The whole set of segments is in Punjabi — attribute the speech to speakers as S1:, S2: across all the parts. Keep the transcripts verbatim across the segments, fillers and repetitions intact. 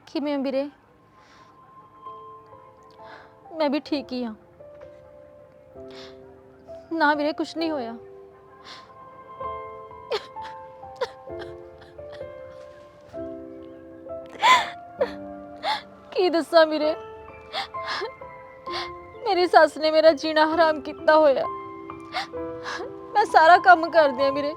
S1: किवें वीरे? मैं भी ठीक ही हाँ ना वीरे, कुछ नहीं होया। की दसा वीरे, मेरी सस ने मेरा जीना हराम किया होया। मैं सारा काम कर दिया वीरे,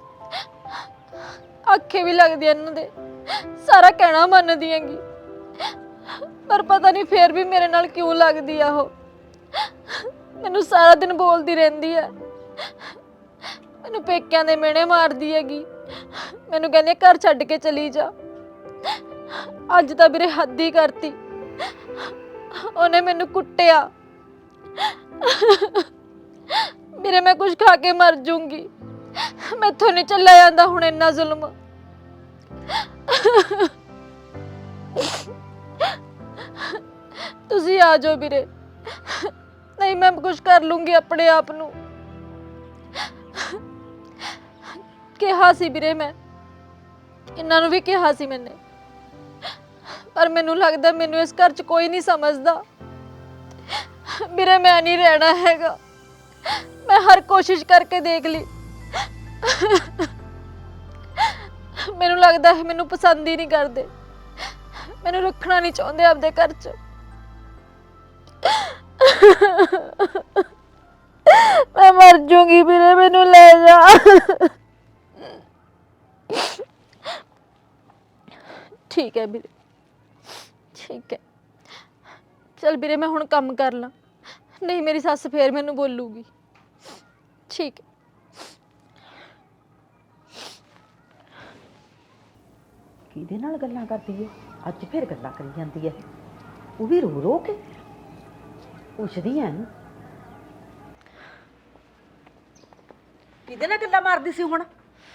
S1: आखे भी लगदी इन्हां दे, सारा कहना मनदी हैगी, पर पता नहीं फिर भी मेरे नाल क्यों लगदी आ। ओह मैनू सारा दिन बोलती रहंदी है, मैनू पेकियां दे मेहणे मारदी हैगी, मैनू कहंदी घर छड्ड के चली जा। अज तां वीरे हद ही करती, उन्हें मैनू कुट्टिया। वीरे मैं कुछ खा के मर जूंगी, मैथों नहीं चला जांदा हुण इन्ना जुल्म। तुसी आ जाओ वीरे, नहीं मैं कुछ कर लूंगी अपने आप नू। कहा सी वीरे, मैं इन्हां नू भी कहा सी मैंने, पर मैनू लगदा मैनू इस घर च कोई नहीं समझदा। वीरे मैं नहीं रहना हैगा, मैं हर कोशिश करके देख ली, मैनू लगदा है मैनू पसंद ही नहीं करदे, मैनू रखना नहीं चाहते आपदे घर च। मैं मर जूंगी वीरे, मैनू ले जा। ठीक है वीरे, ठीक है, चल वीरे मैं हुण काम कर ला, नहीं मेरी सस फिर मैनू बोलूगी। ठीक है।
S2: किहदे नाल गल्लां करदी है अज, फिर गल्लां करी जांदी है, वो भी रो रो के पुछदी है। किहदे नाल गल्लां मारदी सी हुण?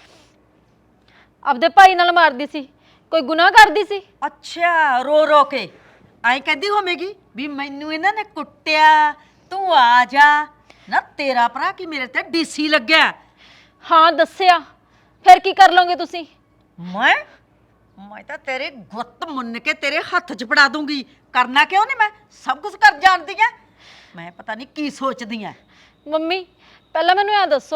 S1: आपदे भाई नाल मारदी सी, कोई गुनाह करदी सी?
S2: अच्छा, रो रो के आई कहदी होवेगी भी मैनू इन्हां ने कुट्टिया, तू आ जा ना। तेरा भरा कि मेरे ते डीसी लग्या?
S1: हाँ दस्सिया, फिर की कर लोगे तुसी?
S2: मैं मैं तो तेरे गुत्त मुन्न के तेरे हत्थ च फड़ा दूंगी। करना क्यों नहीं, मैं सब कुछ कर जानती है। मैं पता नहीं की सोचदी है।
S1: मम्मी पहला मैनू ऐ दसो,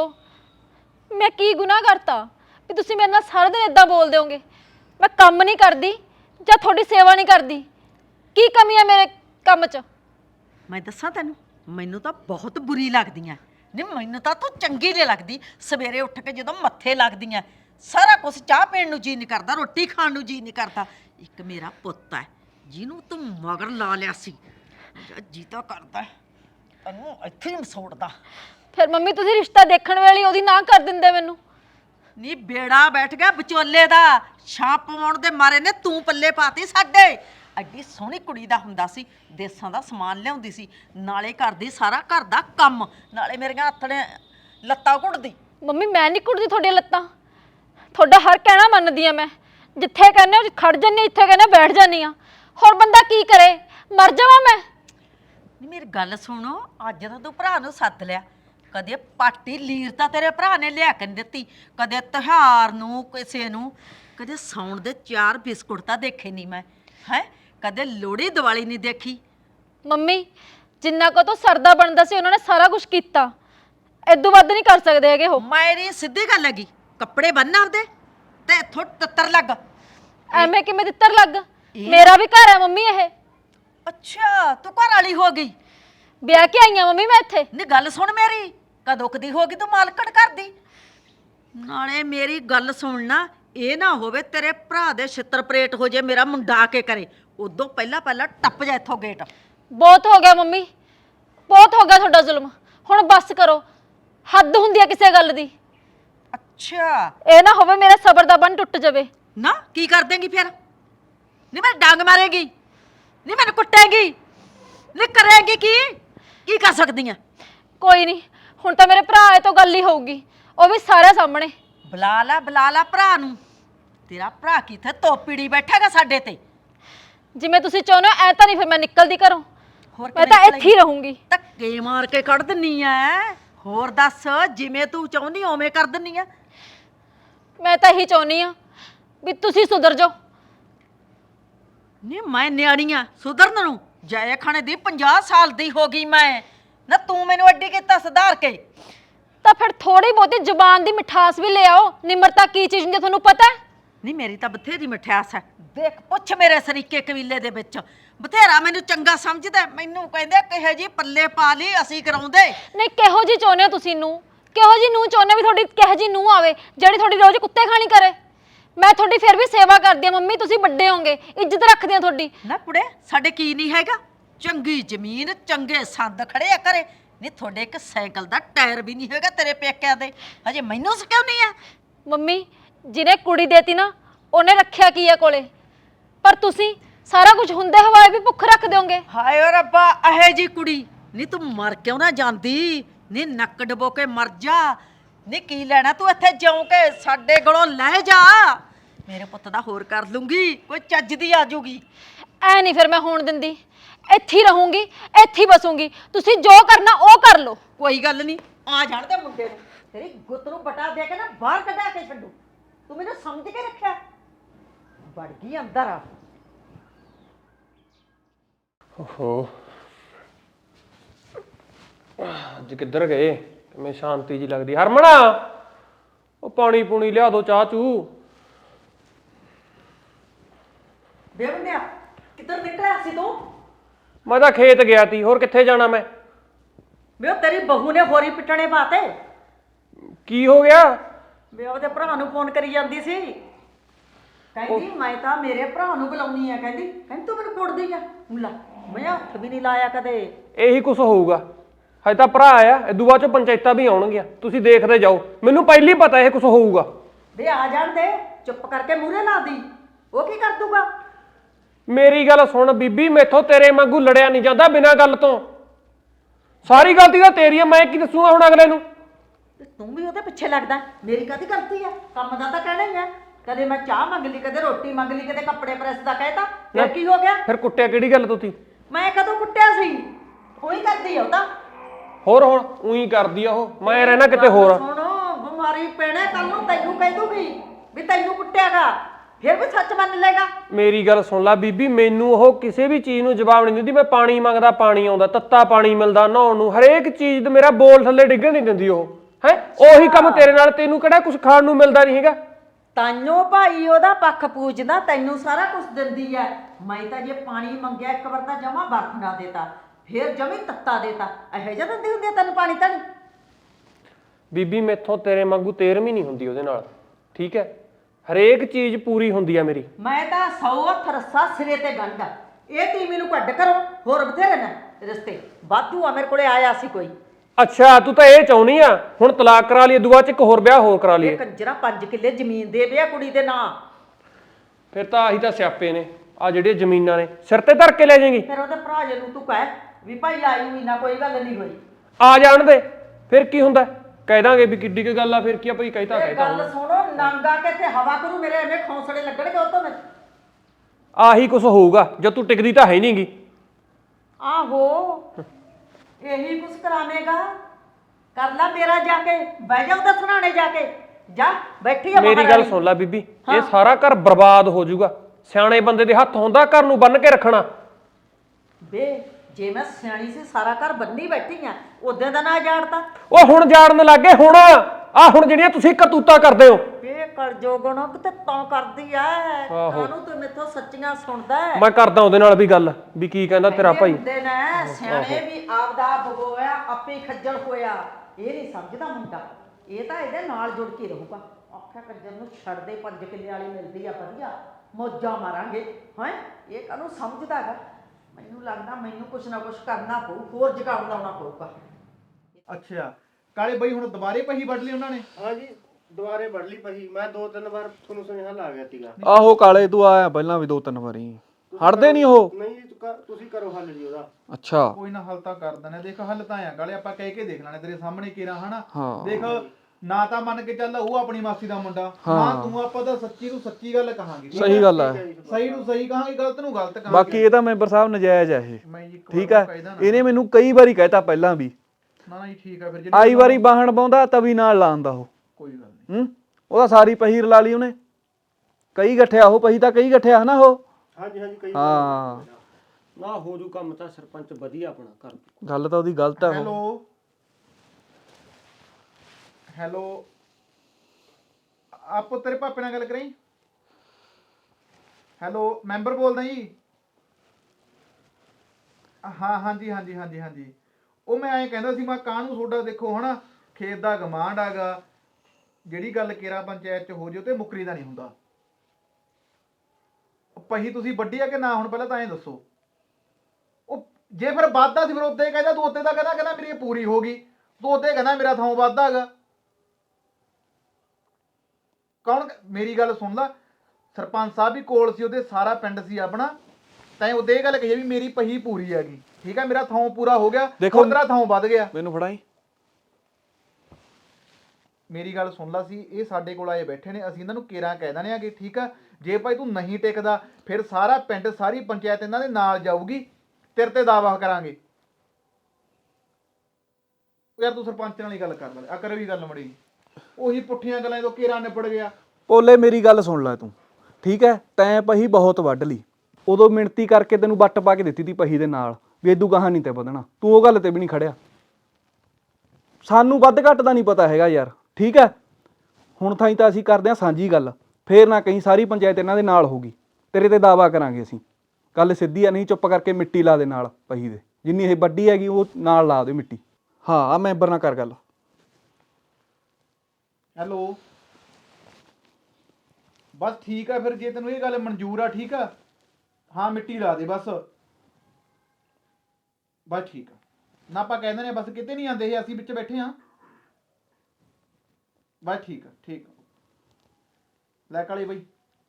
S1: मैं की गुनाह करता भी तुसी मेरे नाल सारा दिन इदां बोल दोगे? मैं काम नहीं करदी जां थोड़ी सेवा नहीं करदी? की कमी है मेरे काम च?
S2: मैं दसा तेनू, मैनू तो बहुत बुरी लगदी है। नहीं मैनू तो तू चंगी नहीं लगदी। सवेरे उठ के जो मत्थे लगदी है, सारा कुछ चाह पीण नूं जी नहीं करता, रोटी खाण नूं जी नहीं करता। एक मेरा पुत्त है जिन्हों तू मगर ला लिया सी, जी तो करदा तैनूं इत्थे ही मसोड़दा।
S1: फिर मम्मी तुसी रिश्ता देखण वेले ओदी ना कर दिंदे मैनू।
S2: नी बेड़ा बैठ गया विचोले दा, छाप पवाउण दे मारे ने तू पल्ले पाती साडे। ਐਡੀ ਸੋਹਣੀ ਕੁੜੀ ਦਾ ਹੁੰਦਾ ਸੀ, ਦੇਸਾਂ ਦਾ ਸਮਾਨ ਲਿਆਉਂਦੀ ਸੀ, ਨਾਲੇ ਕਰਦੀ ਸਾਰਾ ਘਰ ਦਾ ਕੰਮ, ਨਾਲੇ ਮੇਰੀਆਂ ਹੱਥ ਨੇ ਲੱਤਾਂ ਘੁੱਟਦੀ।
S1: ਮੰਮੀ ਮੈਂ ਨਹੀਂ ਘੁੱਟਦੀ ਤੁਹਾਡੀਆਂ ਲੱਤਾਂ, ਤੁਹਾਡਾ ਹਰ ਕਹਿਣਾ ਮੰਨਦੀ ਆ ਮੈਂ। ਜਿੱਥੇ ਕਹਿੰਦੇ ਹੋ ਖੜ ਜੰਨੀ, ਇੱਥੇ ਕਹਿੰਦੇ ਬੈਠ ਜਾਨੀ ਆ। ਹੋਰ ਬੰਦਾ ਕੀ ਕਰੇ, ਮਰ ਜਾਵਾਂ ਮੈਂ?
S2: ਨਹੀਂ ਮੇਰੀ ਗੱਲ ਸੁਣੋ, ਅੱਜ ਤਾਂ ਤੂੰ ਭਰਾ ਨੂੰ ਸੱਦ ਲਿਆ, ਕਦੇ ਪਾਟੀ ਲੀਰ ਤਾਂ ਤੇਰੇ ਭਰਾ ਨੇ ਲਿਆ ਕੇ ਨਹੀਂ ਦਿੱਤੀ, ਕਦੇ ਤਿਉਹਾਰ ਨੂੰ ਕਿਸੇ ਨੂੰ, ਕਦੇ ਸੌਣ ਦੇ ਚਾਰ ਬਿਸਕੁਟ ਤਾਂ ਦੇਖੇ ਨਹੀਂ ਮੈਂ, ਹੈ ਕਦੇ ਲੋਹੜੀ ਦੀਵਾਲੀ ਨਹੀਂ ਦੇਖੀ।
S1: ਮੰਮੀ ਜਿੰਨਾ ਕੋ ਤੋਂ ਸਰਦਾ ਬਣਦਾ ਸੀ ਉਹਨਾਂ ਨੇ ਸਾਰਾ ਕੁਝ ਕੀਤਾ, ਇਦੋਂ ਵੱਧ ਨਹੀਂ ਕਰ ਸਕਦੇ ਹੈਗੇ ਉਹ।
S2: ਮੇਰੀ ਸਿੱਧੀ ਗੱਲ ਹੈਗੀ, ਕੱਪੜੇ ਬੰਨ ਆਪਦੇ ਤੇ ਇੱਥੋਂ ਤਿੱਤਰ ਲੱਗ।
S1: ਐਵੇਂ ਕਿਵੇਂ ਤਿੱਤਰ ਲੱਗ? ਮੇਰਾ ਵੀ ਘਰ ਹੈ ਮੰਮੀ ਇਹ।
S2: ਅੱਛਾ ਤੂੰ ਘਰ ਵਾਲੀ ਹੋ ਗਈ?
S1: ਵਿਆਹ ਕੇ ਆਈ ਆ ਮੰਮੀ ਮੈਂ ਇੱਥੇ।
S2: ਨਹੀਂ ਗੱਲ ਸੁਣ ਮੇਰੀ, ਕਦੋਂ ਕਦੀ ਹੋ ਗਈ ਤੂੰ ਮਾਲਕਣ ਕਰਦੀ? ਨਾਲੇ ਮੇਰੀ ਗੱਲ ਸੁਣਨਾ, ਇਹ ਨਾ ਹੋਵੇ ਤੇਰੇ ਭਰਾ ਦੇ ਛਿੱਤਰ ਪਰੇਟ ਹੋ ਜੇ, ਮੇਰਾ ਮੁੰਡਾ ਆ ਕੇ ਕਰੇ, ਉਦੋਂ ਪਹਿਲਾਂ ਪਹਿਲਾਂ ਟੱਪ ਜਾ ਇੱਥੋਂ ਗੇਟ।
S1: ਬਹੁਤ ਹੋ ਗਿਆ ਮੰਮੀ, ਬਹੁਤ ਹੋ ਗਿਆ ਤੁਹਾਡਾ ਜ਼ੁਲਮ, ਹੁਣ ਬਸ ਕਰੋ, ਹੱਦ ਹੁੰਦੀ ਹੈ ਕਿਸੇ ਗੱਲ ਦੀ।
S2: ਅੱਛਾ
S1: ਇਹ ਨਾ ਹੋਵੇ ਮੇਰਾ ਸਬਰ ਦਾ ਬੰਨ ਟੁੱਟ ਜਾਵੇ।
S2: ਨਾ ਕੀ ਕਰ ਦੇਂਗੀ ਫਿਰ? ਨਹੀਂ ਮੈਂ ਡੰਗ ਮਾਰੇਗੀ, ਨਹੀਂ ਮੈਨੂੰ ਕੁੱਟੇਗੀ, ਨਹੀਂ ਕਰੇਗੀ ਕੀ ਕੀ ਕਰ ਸਕਦੀ ਆ?
S1: ਕੋਈ ਨਹੀਂ, ਹੁਣ ਤਾਂ ਮੇਰੇ ਭਰਾ ਇਹ ਤੋਂ ਗੱਲ ਹੀ ਹੋਊਗੀ, ਉਹ ਵੀ ਸਾਰੇ ਸਾਹਮਣੇ।
S2: ਬੁਲਾ ਲਾ ਬੁਲਾ ਲਾ ਭਰਾ ਨੂੰ। ਤੇਰਾ ਭਰਾ ਕਿੱਥੇ ਤੋਪੀੜੀ ਬੈਠਾਗਾ ਸਾਡੇ ਤੇ?
S1: ਜਿਵੇਂ ਤੁਸੀਂ ਚਾਹੁੰਦੇ ਹੋ ਐ ਤਾਂ ਨਹੀਂ ਫਿਰ ਮੈਂ ਨਿਕਲਦੀ ਘਰੋਂ,
S2: ਹੋਰ
S1: ਮੈਂ ਤਾਂ ਇੱਥੇ ਹੀ ਰਹੂੰਗੀ।
S2: ਧੱਕੇ ਮਾਰ ਕੇ ਕੱਢ ਦਿੰਨੀ ਐ। ਹੋਰ ਦੱਸ, ਜਿਵੇਂ ਤੂੰ ਚਾਹੁੰਦੀ ਓਵੇਂ ਕਰ ਦਿੰਨੀ ਆ।
S1: ਮੈਂ ਤਾਂ ਇਹੀ ਚਾਹੁੰਦੀ ਆ ਵੀ ਤੁਸੀਂ ਸੁਧਰ ਜਾਓ।
S2: ਨੀ ਮੈਂ ਨਿਆਣੀ ਆ ਸੁਧਰਨ ਨੂੰ ਜਾਏ ਖਾਣੇ ਦੀ ਪੰਜਾਹ ਸਾਲ ਦੀ ਹੋ ਗਈ ਮੈਂ ਨਾ ਤੂੰ ਮੈਨੂੰ ਅੱਡੀ ਕੀਤਾ ਸੁਧਾਰ ਕੇ
S1: ਤਾਂ ਫਿਰ ਥੋੜੀ ਬਹੁਤੀ ਜ਼ੁਬਾਨ ਦੀ ਮਿਠਾਸ ਵੀ ਲੈ ਆਓ। ਨਿਮਰਤਾ ਕੀ ਚੀਜ਼ ਹੁੰਦੀ ਤੁਹਾਨੂੰ ਪਤਾ ਹੈ?
S2: ਨਹੀਂ ਮੇਰੀ ਤਾਂ ਬਥੇਰੀ ਮਠਿਆਸ ਹੈ ਦੇਖ ਪੁੱਛ ਮੇਰੇ ਸਰੀਕੇ ਕਬੀਲੇ ਦੇ ਵਿੱਚ ਬਥੇਰਾ ਮੈਨੂੰ ਚੰਗਾ ਸਮਝਦਾ ਮੈਨੂੰ ਕਹਿੰਦੇ ਕਿਹੋ ਜੀ ਪੱਲੇ ਪਾ ਲਈ ਅਸੀਂ ਕਰਾਉਂਦੇ
S1: ਨਹੀਂ ਕਿਹੋ ਜੀ ਚਾਹੁੰਦੇ ਹੋ ਤੁਸੀਂ ਨੂੰ ਕਿਹੋ ਜੀ ਨੂੰ ਚਾਹੁੰਦੇ ਵੀ ਤੁਹਾਡੀ ਕਿਹੋ ਜੀ ਨੂੰ ਆਵੇ ਜਿਹੜੀ ਤੁਹਾਡੀ ਰੋਜ਼ ਕੁੱਤੇ ਖਾਣੀ ਕਰੇ। ਮੈਂ ਤੁਹਾਡੀ ਫਿਰ ਵੀ ਸੇਵਾ ਕਰਦੀ ਆ ਮੰਮੀ ਤੁਸੀਂ ਵੱਡੇ ਹੋਗੇ ਇੱਜ਼ਤ ਰੱਖਦੇ ਆ ਤੁਹਾਡੀ।
S2: ਨਾ ਕੁੜੇ ਸਾਡੇ ਕੀ ਨਹੀਂ ਹੈਗਾ ਚੰਗੀ ਜ਼ਮੀਨ ਚੰਗੇ ਸੰਦ ਖੜੇ ਆ ਕਰੇ ਨਹੀਂ ਤੁਹਾਡੇ ਇੱਕ ਸਾਈਕਲ ਦਾ ਟਾਇਰ ਵੀ ਨਹੀਂ ਹੈਗਾ ਤੇਰੇ ਪੇਕਿਆਂ ਦੇ ਹਜੇ ਮੈਨੂੰ ਸਿਕਾਉਣੀ ਆ।
S1: ਮੰਮੀ ਜਿਹਨੇ ਕੁੜੀ ਦੇਤੀ ਨਾ ਉਹਨੇ ਰੱਖਿਆ ਕੀ ਆ ਕੋਲੇ ਪਰ ਤੁਸੀਂ ਸਾਰਾ ਕੁਝ ਹੁੰਦੇ ਹਵਾਏ ਵੀ ਭੁੱਖ ਰੱਖ ਦਿਓਗੇ।
S2: ਹਾਏ ਓ ਰੱਬਾ ਅਹੇ ਜੀ ਕੁੜੀ ਨਹੀਂ ਤੂੰ ਮਰ ਕਿਉਂ ਨਾ ਜਾਂਦੀ ਨਹੀਂ ਨੱਕ ਡਬੋ ਕੇ ਮਰ ਜਾ ਨਹੀਂ ਕੀ ਲੈਣਾ ਤੂੰ ਇੱਥੇ ਜਿਉਂ ਕੇ ਸਾਡੇ ਕੋਲੋਂ ਲੈ ਜਾ ਮੇਰੇ ਪੁੱਤ ਦਾ ਹੋਰ ਕਰ ਲੂੰਗੀ ਕੋਈ ਚੱਜ ਦੀ ਆ ਜੂਗੀ।
S1: ਐ ਨਹੀਂ ਫਿਰ ਮੈਂ ਹੋਣ ਦਿੰਦੀ ਇੱਥੇ ਹੀ ਰਹੂੰਗੀ ਇੱਥੇ ਹੀ ਬਸੂੰਗੀ ਤੁਸੀਂ ਜੋ ਕਰਨਾ ਉਹ ਕਰ ਲਓ।
S2: ਕੋਈ ਗੱਲ ਨਹੀਂ ਆ ਜਾਣ ਦੇ ਮੁੰਡੇ ਨੂੰ ਤੇਰੀ ਗੁੱਤ ਨੂੰ ਬਟਾ ਦੇ ਕੇ ਨਾ ਬਾਹਰ ਕੱਢਾ ਕੇ ਛੱਡੂ ਤੂੰ ਮੈਨੂੰ ਸਮਝ ਕੇ ਰੱਖਿਆ ਵੜ ਗਈ ਅੰਦਰ ਆ।
S3: ਓਹੋ ਅੱਜ ਕਿੱਧਰ ਗਏ ਕਿਵੇਂ ਸ਼ਾਂਤੀ ਜੀ ਲੱਗਦੀ ਹਰਮਣਾ ਉਹ ਪਾਣੀ ਪੂਣੀ ਲਿਆ ਦੋ ਚਾਹ ਚੂ
S2: ਬੇਬੰਦਿਆ ਕਿੱਧਰ ਨਿਕਲਿਆ ਸੀ ਤੂੰ
S3: ਮੈਂ ਤਾਂ ਖੇਤ ਗਿਆ ਤੀ ਹੋਰ ਕਿੱਥੇ ਜਾਣਾ ਮੈਂ
S2: ਵੇ ਤੇਰੀ ਬਹੂ ਨੇ ਹੋਰੀ ਪਿੱਟਣੇ ਪਾਤੇ
S3: ਕੀ ਹੋ ਗਿਆ
S2: ਵੇ ਉਹਦੇ ਭਰਾ ਨੂੰ ਫੋਨ ਕਰੀ ਜਾਂਦੀ ਸੀ ਕਹਿੰਦੀ ਮੈਂ ਤਾਂ ਮੇਰੇ ਭਰਾ ਨੂੰ ਬੁਲਾਉਣੀ ਆ ਕਹਿੰਦੀ ਕਹਿੰਦੀ ਤੂੰ ਮੈਨੂੰ ਕੁੱਟਦੀ ਆ ਲੈ ਮੈਂ ਹੱਥ ਵੀ ਨਹੀਂ ਲਾਇਆ ਕਦੇ
S3: ਇਹੀ ਕੁਝ ਹੋਊਗਾ ਹਜੇ ਤਾਂ ਭਰਾ ਆ ਇਦੋਂ ਬਾਅਦ ਚ ਪੰਚਾਇਤਾਂ ਵੀ ਆਉਣਗੀਆਂ ਤੁਸੀਂ ਦੇਖਦੇ ਜਾਓ ਮੈਨੂੰ ਪਹਿਲੀ ਪਤਾ ਇਹ ਕੁਝ ਹੋਊਗਾ।
S2: ਵੇ ਆ ਜਾਣ ਦੇ ਚੁੱਪ ਕਰਕੇ ਮੂਹਰੇ ਲਾ ਦੀ ਉਹ ਕੀ ਕਰ ਦੂਗਾ।
S3: ਮੇਰੀ ਗੱਲ ਸੁਣ ਬੀਬੀ ਮੈਥੋਂ ਤੇਰੇ ਵਾਂਗੂ ਲੜਿਆ ਨਹੀਂ ਜਾਂਦਾ ਬਿਨਾਂ ਗੱਲ ਤੋਂ ਸਾਰੀ ਗਲਤੀ ਤਾਂ ਤੇਰੀ ਆ ਮੈਂ ਕੀ ਦੱਸੂਗਾ ਹੁਣ ਅਗਲੇ ਨੂੰ।
S2: ਤੂੰ ਵੀ ਉਹਦੇ ਪਿੱਛੇ ਲੱਗਦਾ ਮੇਰੀ ਕਾਹਦੀ ਗਲਤੀ ਆ ਕੰਮ ਦਾ ਤਾਂ ਕਹਿਣਾ ਹੀ ਆ ਕਦੇ ਮੈਂ ਚਾਹ ਮੰਗ ਲਈ ਕਦੇ ਰੋਟੀ ਮੰਗ ਲਈ ਕਦੇ ਕੱਪੜੇ ਪ੍ਰੈਸ ਦਾ ਕਹਿਤਾ ਫਿਰ ਕੀ ਹੋ ਗਿਆ
S3: ਫਿਰ ਕੁੱਟਿਆ ਕਿਹੜੀ ਗੱਲ ਤੁਸੀਂ
S2: ਮੈਂ ਕਦੋਂ ਕੁੱਟਿਆ ਸੀ ਉਹੀ ਕਰਦੀ ਆ ਉਹ ਤਾਂ
S3: ਹੋਰ ਹੁਣ ਉਹੀ ਕਰਦੀ ਆ ਉਹ ਮੈਂ ਰਹਿਣਾ ਕਿਤੇ ਹੋਰ
S2: ਸੁਣੋ ਬਿਮਾਰੀ ਪੈਣਾ ਕੱਲ ਨੂੰ ਤੈਨੂੰ ਕਹਿ ਦੂਗੀ ਵੀ ਤੈਨੂੰ ਕੁੱਟਿਆਗਾ ਫਿਰ ਵੀ ਸੱਚ ਮੰਨ ਲੇਗਾ।
S3: ਮੇਰੀ ਗੱਲ ਸੁਣ ਲੈ ਬੀਬੀ ਮੈਨੂੰ ਉਹ ਕਿਸੇ ਵੀ ਚੀਜ਼ ਨੂੰ ਜਵਾਬ ਨਹੀਂ ਦਿੰਦੀ ਮੈਂ ਪਾਣੀ ਮੰਗਦਾ ਪਾਣੀ ਆਉਂਦਾ ਤੱਤਾ ਪਾਣੀ ਮਿਲਦਾ ਨਹਾਉਣ ਨੂੰ ਹਰੇਕ ਚੀਜ਼ ਤੇ ਮੇਰਾ ਬੋਲ ਥੱਲੇ ਡਿੱਗਣ ਨਹੀਂ ਦਿੰਦੀ ਉਹ ਹੈ ਉਹੀ ਕੰਮ ਤੇਰੇ ਨਾਲ ਤੈਨੂੰ ਕਿਹੜਾ ਕੁਝ ਖਾਣ ਨੂੰ ਮਿਲਦਾ ਨਹੀਂ ਹੈਗਾ।
S2: ਤਾਈਓ ਭਾਈ ਉਹਦਾ ਪੱਖ ਪੂਜਦਾ ਤੈਨੂੰ ਸਾਰਾ ਕੁਝ ਦਿੰਦੀ ਐ ਮੈਂ ਤਾਂ ਜੇ ਪਾਣੀ ਮੰਗਿਆ ਇੱਕ ਵਾਰ ਤਾਂ ਜਮਾ ਬਰਫ ਨਾ ਦੇਤਾ ਫਿਰ ਜਮੀ ਤੱਤਾ ਦੇਤਾ ਇਹੋ ਜਿਹਾ ਦਿੰਦੀ ਹੁੰਦੀ ਤੈਨੂੰ ਪਾਣੀ ਤਾਂ ਨਹੀਂ।
S3: ਬੀਬੀ ਮੈਥੋਂ ਤੇਰੇ ਵਾਂਗੂ ਤੇਰਵੀਂ ਨਹੀਂ ਹੁੰਦੀ ਉਹਦੇ ਨਾਲ ਠੀਕ ਹੈ ਹਰੇਕ ਚੀਜ਼ ਪੂਰੀ ਹੁੰਦੀ ਆ ਮੇਰੀ।
S2: ਮੈਂ ਤਾਂ ਸੌ ਹੱਥ ਰੱਸਾ ਸਿਰੇ ਤੇ ਗੰਢਾ ਇਹ ਤੀ ਮੈਨੂੰ ਕੱਢ ਕਰੋ ਹੋਰ ਬਥੇਰੇ ਨਾ ਰਿਸ਼ਤੇ ਵਾਧੂ ਆ ਮੇਰੇ ਕੋਲੇ ਆਇਆ ਸੀ ਕੋਈ।
S3: ਅੱਛਾ ਤੂੰ ਤਾਂ ਇਹ ਚਾਹੁੰਦੀ ਆ ਹੁਣ ਤਲਾਕ ਕਰਾ ਲਈ ਦੁਆ ਚ ਇੱਕ ਹੋਰ ਵਿਆਹ ਹੋਰ ਕਰਾ ਲਈਏ।
S2: ਕੰਜਰਾ ਪੰਜ ਕਿੱਲੇ ਜ਼ਮੀਨ ਦੇ ਵਿਆ ਕੁੜੀ ਦੇ ਨਾਂ
S3: ਫਿਰ ਤਾਂ ਆਹੀ ਤਾਂ ਸਿਆਪੇ ਨੇ ਆ ਜਿਹੜੀਆਂ ਜ਼ਮੀਨਾਂ ਨੇ ਸਿਰ ਤੇ ਧਰ ਕੇ ਲੈ ਜਾਏਗੀ।
S2: ਫਿਰ ਉਹਦੇ ਭਰਾ ਜੀ ਨੂੰ ਤੂੰ ਕਹਿ ਵੀ ਭਾਈ ਆਈ ਹੋਈ ਨਾ ਕੋਈ ਗੱਲ ਨਹੀਂ ਹੋਈ
S3: ਆ ਜਾਣ ਦੇ ਫਿਰ ਕੀ ਹੁੰਦਾ ਕਹਿ ਦਾਂਗੇ ਵੀ ਕਿੱਡੀ ਕੀ ਗੱਲ ਆ ਫਿਰ ਕੀ ਆ ਭਾਈ ਕਹਿਤਾ ਕਹਿਤਾ
S2: ਗੱਲ ਸੁਣੋ ਨੰਗਾ ਕੇ ਤੇ ਹਵਾ ਕਰੂ ਮੇਰੇ ਐਵੇਂ ਖੌਂਸੜੇ ਲੱਗਣਗੇ ਉਹ ਤੋਂ ਮੈਂ
S3: ਆਹੀ ਕੁਝ ਹੋਊਗਾ ਜਦ ਤੂੰ ਟਿਕਦੀ ਤਾਂ ਹੈ ਨਹੀਂਗੀ।
S2: ਆਹੋ ਇਹੀ ਕੁਛ ਕਰਾਵੇਂਗਾ ਕਰ ਲੈ ਮੇਰਾ ਜਾ ਕੇ ਬਹਿ ਜਾ ਉਹਦੇ ਸਰਾਣੇ ਜਾ ਕੇ ਜਾ ਬੈਠੀ ਆ
S3: ਮੇਰੀ ਗੱਲ ਸੁਣ ਲੈ ਬੀਬੀ ਇਹ ਸਾਰਾ ਘਰ ਬਰਬਾਦ ਹੋ ਜਾਊਗਾ ਸਿਆਣੇ ਬੰਦੇ ਦੇ ਹੱਥ ਹੁੰਦਾ ਘਰ ਨੂੰ ਬੰਨ ਕੇ ਰੱਖਣਾ।
S2: ਵੇ ਜੇ ਮੈਂ ਸਿਆਣੀ ਸੀ ਸਾਰਾ ਘਰ ਬੰਨੀ ਬੈਠੀ ਆ ਉਦੋਂ ਦਾ ਨਾ ਜਾੜਦਾ
S3: ਉਹ ਹੁਣ ਜਾੜਨ ਲੱਗੇ ਹੁਣ ਆ ਹੁਣ ਜਿਹੜੀਆਂ ਤੁਸੀਂ ਕਰਤੂਤਾ ਕਰਦੇ ਹੋ
S2: ਵੇ ਕਰ ਜੋਗਣੋ ਕਿਤੇ ਤਾਂ ਕਰਦੀ ਐ ਕਾਹਨੂੰ ਤੂੰ ਮੇਥੋਂ ਸੱਚੀਆਂ ਸੁਣਦਾ
S3: ਮੈਂ ਕਰਦਾ ਉਹਦੇ ਨਾਲ ਵੀ ਗੱਲ ਵੀ ਕੀ ਕਹਿੰਦਾ ਤੇਰਾ ਭਾਈ
S2: ਹੁੰਦੇ ਨੇ ਸਿਆਣੇ ਵੀ ਆਪਦਾ ਬਗੋਇਆ ਆਪੇ ਖੱਜਲ ਹੋਇਆ ਇਹ ਨਹੀਂ ਸਮਝਦਾ ਮੁੰਡਾ ਇਹ ਤਾਂ ਇਹਦੇ ਨਾਲ ਜੁੜ ਕੇ ਰਹੂਗਾ ਆਖਿਆ ਕੰਜਰ ਨੂੰ ਛੱਡ ਦੇ ਪੰਜ ਕਿੱਲੇ ਵਾਲੀ ਮਿਲਦੀ ਆ ਵਧੀਆ ਮੌਜਾਂ ਮਾਰਾਂਗੇ ਹੈ ਇਹ ਕਾਹਨੂੰ ਸਮਝਦਾ ਹੈਗਾ ਮੈਨੂੰ ਲੱਗਦਾ ਮੈਨੂੰ ਕੁਛ ਨਾ ਕੁਛ ਕਰਨਾ ਪਊ ਹੋਰ ਜਗਾਉਣ ਲਾਉਣਾ ਪਊਗਾ।
S4: ਅੱਛਾ ਕਾਲੇ ਬਈ ਹੁਣ ਦੁਬਾਰੇ ਪਹੀ ਵੱਢ ਲਈ ਉਹਨਾਂ ਨੇ।
S5: ਹਾਂ ਜੀ ਦੁਬਾਰੇ ਵੱਢ ਲਈ ਪਹੀ ਮੈਂ ਦੋ ਤਿੰਨ ਵਾਰ ਤੁਹਾਨੂੰ ਸੁਨੇਹਾ ਲਾ ਗਿਆ ਸੀਗਾ।
S6: ਆਹੋ ਕਾਲੇ ਤੂੰ ਆਇਆ ਪਹਿਲਾਂ ਵੀ ਦੋ ਤਿੰਨ ਵਾਰੀ ਹਟਦੇ ਨਹੀਂ ਉਹ
S5: ਨਹੀਂ ਜੀ, ਤੁ- ਕਰ- ਤੁਸੀਂ ਕਰੋ ਹੱਲ ਜੀ ਉਹਦਾ।
S6: ਅੱਛਾ
S4: ਕੋਈ ਨਾ ਹੱਲ ਤਾਂ ਕਰ ਦਿੰਦੇ ਦੇਖ ਹੱਲ ਤਾਂ ਆ ਕਾਲੇ ਆਪਾਂ ਕਹਿ ਕੇ ਦੇਖ ਲੈਣੇ ਤੇਰੇ ਸਾਹਮਣੇ ਕੀਰਾ ਹਨਾ
S6: ਹਾਂ।
S4: ਦੇਖ ਨਾ ਤਾਂ ਮੰਨ ਕੇ ਚੱਲ ਉਹ ਆਪਣੀ ਮਾਸੀ ਦਾ ਮੁੰਡਾ ਨਾ ਤੂੰ ਆਪਾਂ ਤਾਂ ਸੱਚੀ ਨੂੰ ਸੱਚੀ ਗੱਲ ਕਹਾਂਗੇ
S6: ਸਹੀ ਗੱਲ ਹੈ
S4: ਸਹੀ ਨੂੰ ਸਹੀ ਕਹਾਂਗੇ ਗਲਤ ਨੂੰ ਗਲਤ ਕਹਾਂਗੇ।
S6: ਬਾਕੀ ਇਹ ਤਾਂ ਮੈਂਬਰ ਸਾਹਿਬ ਨਜਾਇਜ਼ ਆ ਇਹ
S4: ਮੈਂ ਜੀ ਇੱਕ
S6: ਠੀਕ
S4: ਵਾਰ
S6: ਹੈ
S4: ਕਹਿਦਾ ਨਾ
S6: ਇਹਨੇ ਮੈਨੂੰ ਕਈ ਵਾਰੀ ਕਹਿਤਾ ਪਹਿਲਾਂ ਵੀ
S4: ਨਾ ਨਾ ਜੀ ਠੀਕ ਆ ਫਿਰ
S6: ਆਈ ਵਾਰੀ ਬਾਹਣ ਪਾਉਂਦਾ ਤਵੀ ਨਾਲ ਲਾਉਂਦਾ ਉਹ
S4: ਕੋਈ ਗੱਲ ਨਹੀਂ
S6: ਹੂੰ ਉਹਦਾ ਸਾਰੀ ਪਹੀ ਰਲਾ ਲਈ ਉਹਨੇ ਕਈ ਗੱਠਿਆ ਉਹ ਪਹੀ ਤਾਂ ਕਈ ਗੱਠਿਆ ਹਨਾ ਉਹ
S5: ਹਾਂਜੀ ਹਾਂਜੀ ਕਈ
S6: ਹਾਂ
S3: ਨਾ ਹੋ ਜੂ ਕੰਮ ਤਾਂ ਸਰਪੰਚ ਵਧੀਆ ਆਪਣਾ ਕਰ ਦੂ।
S6: ਗੱਲ ਤਾਂ ਉਹਦੀ ਗਲਤ ਆ ਉਹ।
S4: ਹੈਲੋ ਹੈਲੋ ਆਪੋ ਤੇਰੇ ਪਾਪੇ ਨਾਲ ਗੱਲ ਕਰਾਈ। ਹੈਲੋ ਮੈਂਬਰ ਬੋਲਦਾ ਜੀ। ਹਾਂ ਹਾਂਜੀ ਹਾਂਜੀ ਹਾਂਜੀ ਹਾਂਜੀ ਉਹ ਮੈਂ ਐਂ ਕਹਿੰਦਾ ਸੀ ਮੈਂ ਕਾਹਨੂੰ ਤੁਹਾਡਾ ਦੇਖੋ ਹਨਾ ਖੇਤ ਦਾ ਗਮਾਂਡ ਆਗਾ ਜਿਹੜੀ ਗੱਲ ਕੇਰਾ ਪੰਚਾਇਤ ਚ ਹੋ ਜੇ ਤੇ ਮੁੱਕਰੀ ਦਾ ਨਹੀਂ ਹੁੰਦਾ। ਪਹੀ ਤੁਸੀਂ ਵੱਡੀ ਆ ਕਿ ਨਾ ਹੁਣ ਪਹਿਲਾਂ ਤਾਂ ਐਂ ਦੱਸੋ। ਉਹ ਜੇ ਫਿਰ ਵਾਧਾ ਸੀ ਫਿਰ ਉੱਤੇ ਕਹਿੰਦਾ ਤੂੰ ਉੱਤੇ ਦਾ ਕਹਿੰਦਾ ਕਹਿੰਦਾ ਮੇਰੀ ਇਹ ਪੂਰੀ ਹੋ ਗਈ ਤੂੰ ਉੱਤੇ ਕਹਿੰਦਾ ਮੇਰਾ ਥਾਂ ਵਾਧਾ ਹੈਗਾ। ਕੌਣ ਮੇਰੀ ਗੱਲ ਸੁਣ ਲਾ ਸਰਪੰਚ ਸਾਹਿਬ ਵੀ ਕੋਲ ਸੀ ਉਹਦੇ ਸਾਰਾ ਪਿੰਡ ਸੀ ਆਪਣਾ ਤੈਂ ਉਹਦੇ ਇਹ ਗੱਲ ਕਹੀ ਵੀ ਮੇਰੀ ਪਹੀ ਪੂਰੀ ਹੈਗੀ ਠੀਕ ਹੈ ਮੇਰਾ ਥਾਂ ਪੂਰਾ ਹੋ ਗਿਆ
S6: ਦੇਖੋ
S4: ਤੇਰਾ ਥਾਂ ਵੱਧ ਗਿਆ।
S6: ਮੈਨੂੰ ਫੜਾਈ
S4: ਮੇਰੀ ਗੱਲ ਸੁਣ ਲਾ ਸੀ ਇਹ ਸਾਡੇ ਕੋਲ ਆਏ ਬੈਠੇ ਨੇ ਅਸੀਂ ਇਹਨਾਂ ਨੂੰ ਕੇਰਾਂ ਕਹਿ ਦੇਣੇ ਆਗੇ ਠੀਕ ਆ ਜੇ ਭਾਈ ਤੂੰ ਨਹੀਂ ਟਿਕਦਾ ਫਿਰ ਸਾਰਾ ਪਿੰਡ ਸਾਰੀ ਪੰਚਾਇਤ ਇਹਨਾਂ ਦੇ ਨਾਲ ਜਾਊਗੀ ਤੇਰੇ ਤੇ ਦਾਅਵਾ ਕਰਾਂਗੇ। ਯਾਰ ਤੂੰ ਸਰਪੰਚ ਨਾਲ ਹੀ ਗੱਲ ਕਰ ਲੈ ਆ ਕਰ ਵੀ ਗੱਲ ਮੜੀ ਉਹੀ ਪੁੱਠੀਆਂ ਗੱਲਾਂ ਤੋਂ ਕੇਰਾਂ ਨਿਬੜ ਗਿਆ।
S6: ਭੋਲੇ ਮੇਰੀ ਗੱਲ ਸੁਣ ਲੈ ਤੂੰ ਠੀਕ ਹੈ ਤੈਂ ਪਹੀ ਬਹੁਤ ਵੱਢ ਲਈ ਉਦੋਂ ਮਿਣਤੀ ਕਰਕੇ ਤੈਨੂੰ ਵੱਟ ਪਾ ਕੇ ਦਿੱਤੀ ਤੀ ਪਹੀ ਦੇ ਨਾਲ ਵੀ ਇਦੂ ਗਾਹਾਂ ਨਹੀਂ ਤੇ ਵਧਣਾ ਤੂੰ ਉਹ ਗੱਲ ਤੇ ਵੀ ਨਹੀਂ ਖੜਿਆ। ਸਾਨੂੰ ਵੱਧ ਘੱਟ ਦਾ ਨਹੀਂ ਪਤਾ ਹੈਗਾ ਯਾਰ ਠੀਕ ਹੈ ਹੁਣ ਥਾਈ ਤਾਂ ਅਸੀਂ ਕਰਦੇ ਹਾਂ ਸਾਂਝੀ ਗੱਲ ਫੇਰ ਨਾ ਕਹੀਂ ਸਾਰੀ ਪੰਚਾਇਤ ਇਹਨਾਂ ਦੇ ਨਾਲ ਹੋਊਗੀ ਤੇਰੇ ਤੇ ਦਾਅਵਾ ਕਰਾਂਗੇ ਅਸੀਂ। ਗੱਲ ਸਿੱਧੀ ਆ ਨਹੀਂ ਚੁੱਪ ਕਰਕੇ ਮਿੱਟੀ ਲਾ ਦੇ ਨਾਲ ਪਹੀ ਦੇ ਜਿੰਨੀ ਇਹ ਵੱਡੀ ਹੈਗੀ ਉਹ ਨਾਲ ਲਾ ਦੇ ਮਿੱਟੀ। ਹਾਂ ਆ ਮੈਂਬਰ ਨਾਲ ਕਰ ਗੱਲ।
S4: ਹੈਲੋ ਬਸ ਠੀਕ ਆ ਫਿਰ ਜੇ ਤੈਨੂੰ ਇਹ ਗੱਲ ਮਨਜ਼ੂਰ ਆ ਠੀਕ ਆ ਹਾਂ ਮਿੱਟੀ ਲਾ ਦੇ ਬਸ ਬਸ ਠੀਕ ਆ ਨਾ ਆਪਾਂ ਕਹਿੰਦੇ ਨੇ ਬਸ ਕਿਤੇ ਨਹੀਂ ਆਉਂਦੇ ਇਹ ਅਸੀਂ ਵਿੱਚ ਬੈਠੇ ਹਾਂ ਬਸ ਠੀਕ ਆ ਠੀਕ ਆ ਲੈ ਕਾਲੀ ਬਈ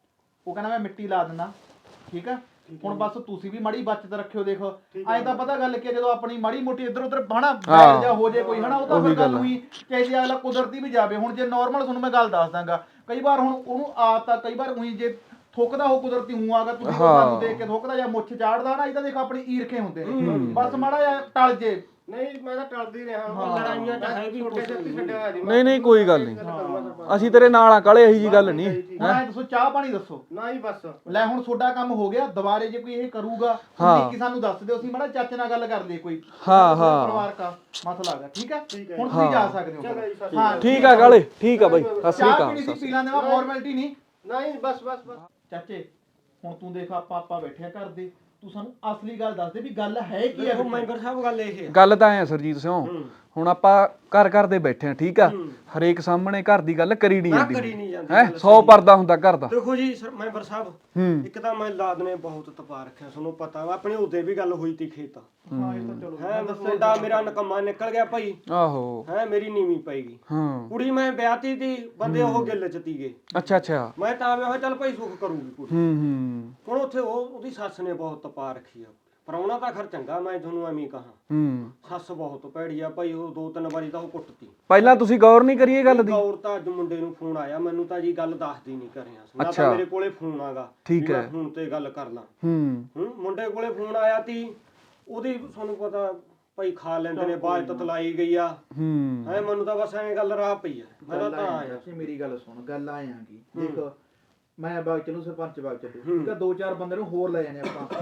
S4: ਉਹ ਕਹਿੰਦਾ ਮੈਂ ਮਿੱਟੀ ਲਾ ਦਿੰਦਾ ਠੀਕ ਆ ਹੁਣ ਬਸ ਤੁਸੀਂ ਵੀ ਮਾੜੀ ਬਚਤ ਰੱਖਿਓ ਦੇਖੋ ਐਂ ਤਾਂ ਪਤਾ ਗੱਲ ਕਿ ਜਦੋਂ ਆਪਣੀ ਮਾੜੀ ਮੋਟੀ ਇੱਧਰ ਉੱਧਰ ਹਨਾ ਬੈਠ ਜਾ ਹੋ ਜੇ ਕੋਈ ਹਨਾ ਉਹ ਤਾਂ ਫਿਰ ਗੱਲ ਹੋਈ ਚਾਹੇ ਜੇ ਅਗਲਾ ਕੁਦਰਤੀ ਵੀ ਜਾਵੇ ਹੁਣ ਜੇ ਨਾਰਮਲ ਤੁਹਾਨੂੰ ਮੈਂ ਗੱਲ ਦੱਸ ਦਾਂਗਾ ਕਈ ਵਾਰ ਹੁਣ ਉਹਨੂੰ ਆਦਤ ਆ ਕਈ ਵਾਰ ਉਹੀ ਜੇ ਥੁੱਕਦਾ ਉਹ ਕੁਦਰਤੀ ਹੂੰ ਆਗਾ ਤੁਸੀਂ ਸਾਨੂੰ ਦੇਖ ਕੇ ਥੁੱਕਦਾ ਜਾਂ ਮੁੱਛ ਚਾੜਦਾ ਨਾ ਇਹ ਤਾਂ ਦੇਖ ਆਪਣੀ ਈਰਖੇ ਹੁੰਦੇ ਨੇ ਬਸ ਮਾੜਾ ਜਿਹਾ ਟਲ ਜੇ
S5: ਨਹੀਂ ਮੈਂ ਤਾਂ ਟਲਦੀ ਰਿਹਾ ਲੜਾਈਆਂ ਚ ਹੈ ਵੀ ਛੋਟੇ ਛੱਤੀ ਛੱਡਿਆ ਹੋਇਆ ਜੀ
S6: ਨਹੀਂ ਨਹੀਂ ਕੋਈ ਗੱਲ ਨਹੀਂ ਅਸੀਂ ਤੇਰੇ ਨਾਲ ਆ ਕਾਲੇ ਇਹੀ ਜੀ ਗੱਲ ਨਹੀਂ।
S4: ਹੁਣ ਐਂ ਦੱਸੋ ਚਾਹ ਪਾਣੀ ਦੱਸੋ
S5: ਨਾ ਹੀ ਬਸ
S4: ਲੈ ਹੁਣ ਤੁਹਾਡਾ ਕੰਮ ਹੋ ਗਿਆ ਦੁਬਾਰੇ ਜੇ ਕੋਈ ਇਹ ਕਰੂਗਾ ਕਿ ਸਾਨੂੰ ਦੱਸ ਦਿਓ ਅਸੀਂ ਮਾੜਾ ਚਾਚੇ ਨਾਲ ਗੱਲ ਕਰ ਲਈਏ ਕੋਈ
S6: ਹਾਂ ਹਾਂ
S4: ਪਰਿਵਾਰ ਦਾ ਮਸਲਾ ਹੈਗਾ ਠੀਕ ਹੈ ਹੁਣ ਤੁਸੀਂ ਜਾ ਸਕਦੇ ਹੋ। ਹਾਂ
S6: ਠੀਕ ਆ ਕਾਲੇ ਠੀਕ ਆ ਬਾਈ ਸਤਿ ਸ੍ਰੀ
S4: ਚਾਹ
S6: ਅਕਾਲ।
S5: हाँ,
S4: ਪੀਣੀ ਸੀ ਪੀ ਲੈਂਦੇ ਵਾ ਫਾਰਮੈਲਿਟੀ ਨਹੀਂ
S5: ਨਹੀਂ ਬਸ ਬਸ ਬਸ
S4: ਚਾਚੇ ਹੁਣ ਤੂੰ ਦੇਖ ਆਪਾਂ ਆਪਾਂ ਬੈਠਿਆ ਕਰਦੇ ਤੂੰ ਸਾਨੂੰ ਅਸਲੀ ਗੱਲ ਦੱਸ ਦੇ ਵੀ ਗੱਲ ਹੈ ਕੀ ਹੈ
S3: ਦੇਖੋ ਮੈਂਬਰ ਸਾਹਿਬ ਗੱਲ ਇਹ ਹੈ
S6: ਗੱਲ ਤਾਂ ਐ ਸਰਜੀਤ ਸਿੰਘ ਹੁਣ ਆਪਾਂ ਘਰ ਘਰ ਦੇ ਬੈਠੇ ਆ ਠੀਕ ਆ ਹਰੇਕ ਸਾਹਮਣੇ ਘਰ ਦੀ ਗੱਲ ਕਰੀ ਨਹੀਂ ਜਾਂਦੀ
S3: ਕਰੀ ਨਹੀਂ ਜਾਂਦੀ
S6: ਹੈ ਸੌ ਪਰਦਾ ਹੁੰਦਾ ਘਰ ਦਾ।
S3: ਦੇਖੋ ਜੀ ਸਰ ਮੈਂਬਰ ਸਾਹਿਬ
S6: ਹੂੰ
S3: ਇੱਕ ਤਾਂ ਮੈਂ ਲਾਦ ਨੇ ਬਹੁਤ ਤਪਾ ਰੱਖਿਆ ਤੁਹਾਨੂੰ ਪਤਾ ਵਾ ਆਪਣੇ ਉਹਦੇ ਵੀ ਗੱਲ ਹੋਈ ਤੀ ਖੇਤ
S4: ਹਾਂ ਇਹ ਤਾਂ ਚਲੋ
S3: ਹੈ ਮੁੰਡਾ ਮੇਰਾ ਨਕਮਾ ਨਿਕਲ ਗਿਆ ਭਾਈ
S6: ਆਹੋ
S3: ਹੈ ਮੇਰੀ ਨੀਵੀਂ ਪਈਗੀ
S6: ਹਾਂ
S3: ਕੁੜੀ ਮੈਂ ਵਿਆਹਤੀ ਤੀ ਬੰਦੇ ਉਹ ਗਿੱਲ ਚ ਤੀਗੇ
S6: ਅੱਛਾ ਅੱਛਾ
S3: ਮੈਂ ਤਾਂ ਆਇਆ ਚੱਲ ਭਾਈ ਸੁੱਖ ਕਰੂਗੀ ਕੁੜੀ
S6: ਹੂੰ ਹੂੰ
S3: ਹੁਣ ਉੱਥੇ ਉਹ ਉਹਦੀ ਸੱਸ ਨੇ ਬਹੁਤ ਤਪਾ ਰੱਖੀ ਆ ਪਰਾਉਣਾ ਤਾਂ ਖਰ ਚੰਗਾ ਮੈਂ ਤੁਹਾਨੂੰ ਐਵੇਂ ਕਹਾਂ
S6: ਹੂੰ
S3: ਸੱਸ ਬਹੁਤ ਭੈੜੀ ਆ ਭਾਈ ਉਹ ਦੋ ਤਿੰਨ ਵਾਰੀ ਤਾਂ ਉਹ ਕੁੱਟਤੀ
S6: ਪਹਿਲਾਂ ਤੁਸੀਂ ਗੌਰ ਨਹੀਂ ਕਰੀਏ ਗੱਲ ਦੀ।
S3: ਗੌਰ ਤਾਂ ਅੱਜ ਮੁੰਡੇ ਨੂੰ ਫੋਨ ਆਇਆ ਮੈਨੂੰ ਤਾਂ ਜੀ ਗੱਲ ਦੱਸਦੀ ਨਹੀਂ ਕਰਿਆ ਨਾ ਤਾਂ ਮੇਰੇ ਕੋਲੇ ਫੋਨ ਆਗਾ
S6: ਠੀਕ ਹੈ
S3: ਫੋਨ ਤੇ ਗੱਲ ਕਰ ਲਾਂ
S6: ਹੂੰ
S3: ਹੂੰ ਮੁੰਡੇ ਕੋਲੇ ਫੋਨ ਆਇਆ ਤੀ ਉਹਦੀ ਤੁਹਾਨੂੰ ਪਤਾ ਭਾਈ ਖਾ ਲੈਂਦੇ ਨੇ ਬਾਜ ਤਤਲਾਈ ਗਈ ਆ
S6: ਹੂੰ
S3: ਐ ਮੈਨੂੰ ਤਾਂ ਬਸ ਐਂ ਗੱਲ ਰਾਹ ਪਈ ਆ ਮੈਂ ਤਾਂ ਆਇਆ
S4: ਮੇਰੀ ਗੱਲ ਸੁਣ ਗੱਲ ਆਏ ਆਂਗੀ ਦੇਖ ਮੈਂ ਬਾਗ ਚਲੂ ਸਰਪੰਚ ਬਾਗ ਚੱਲੇ ਠੀਕ ਆ ਦੋ ਚਾਰ ਬੰਦੇ ਨੂੰ ਹੋਰ ਲੈ ਜਾਣੇ ਆਪਾਂ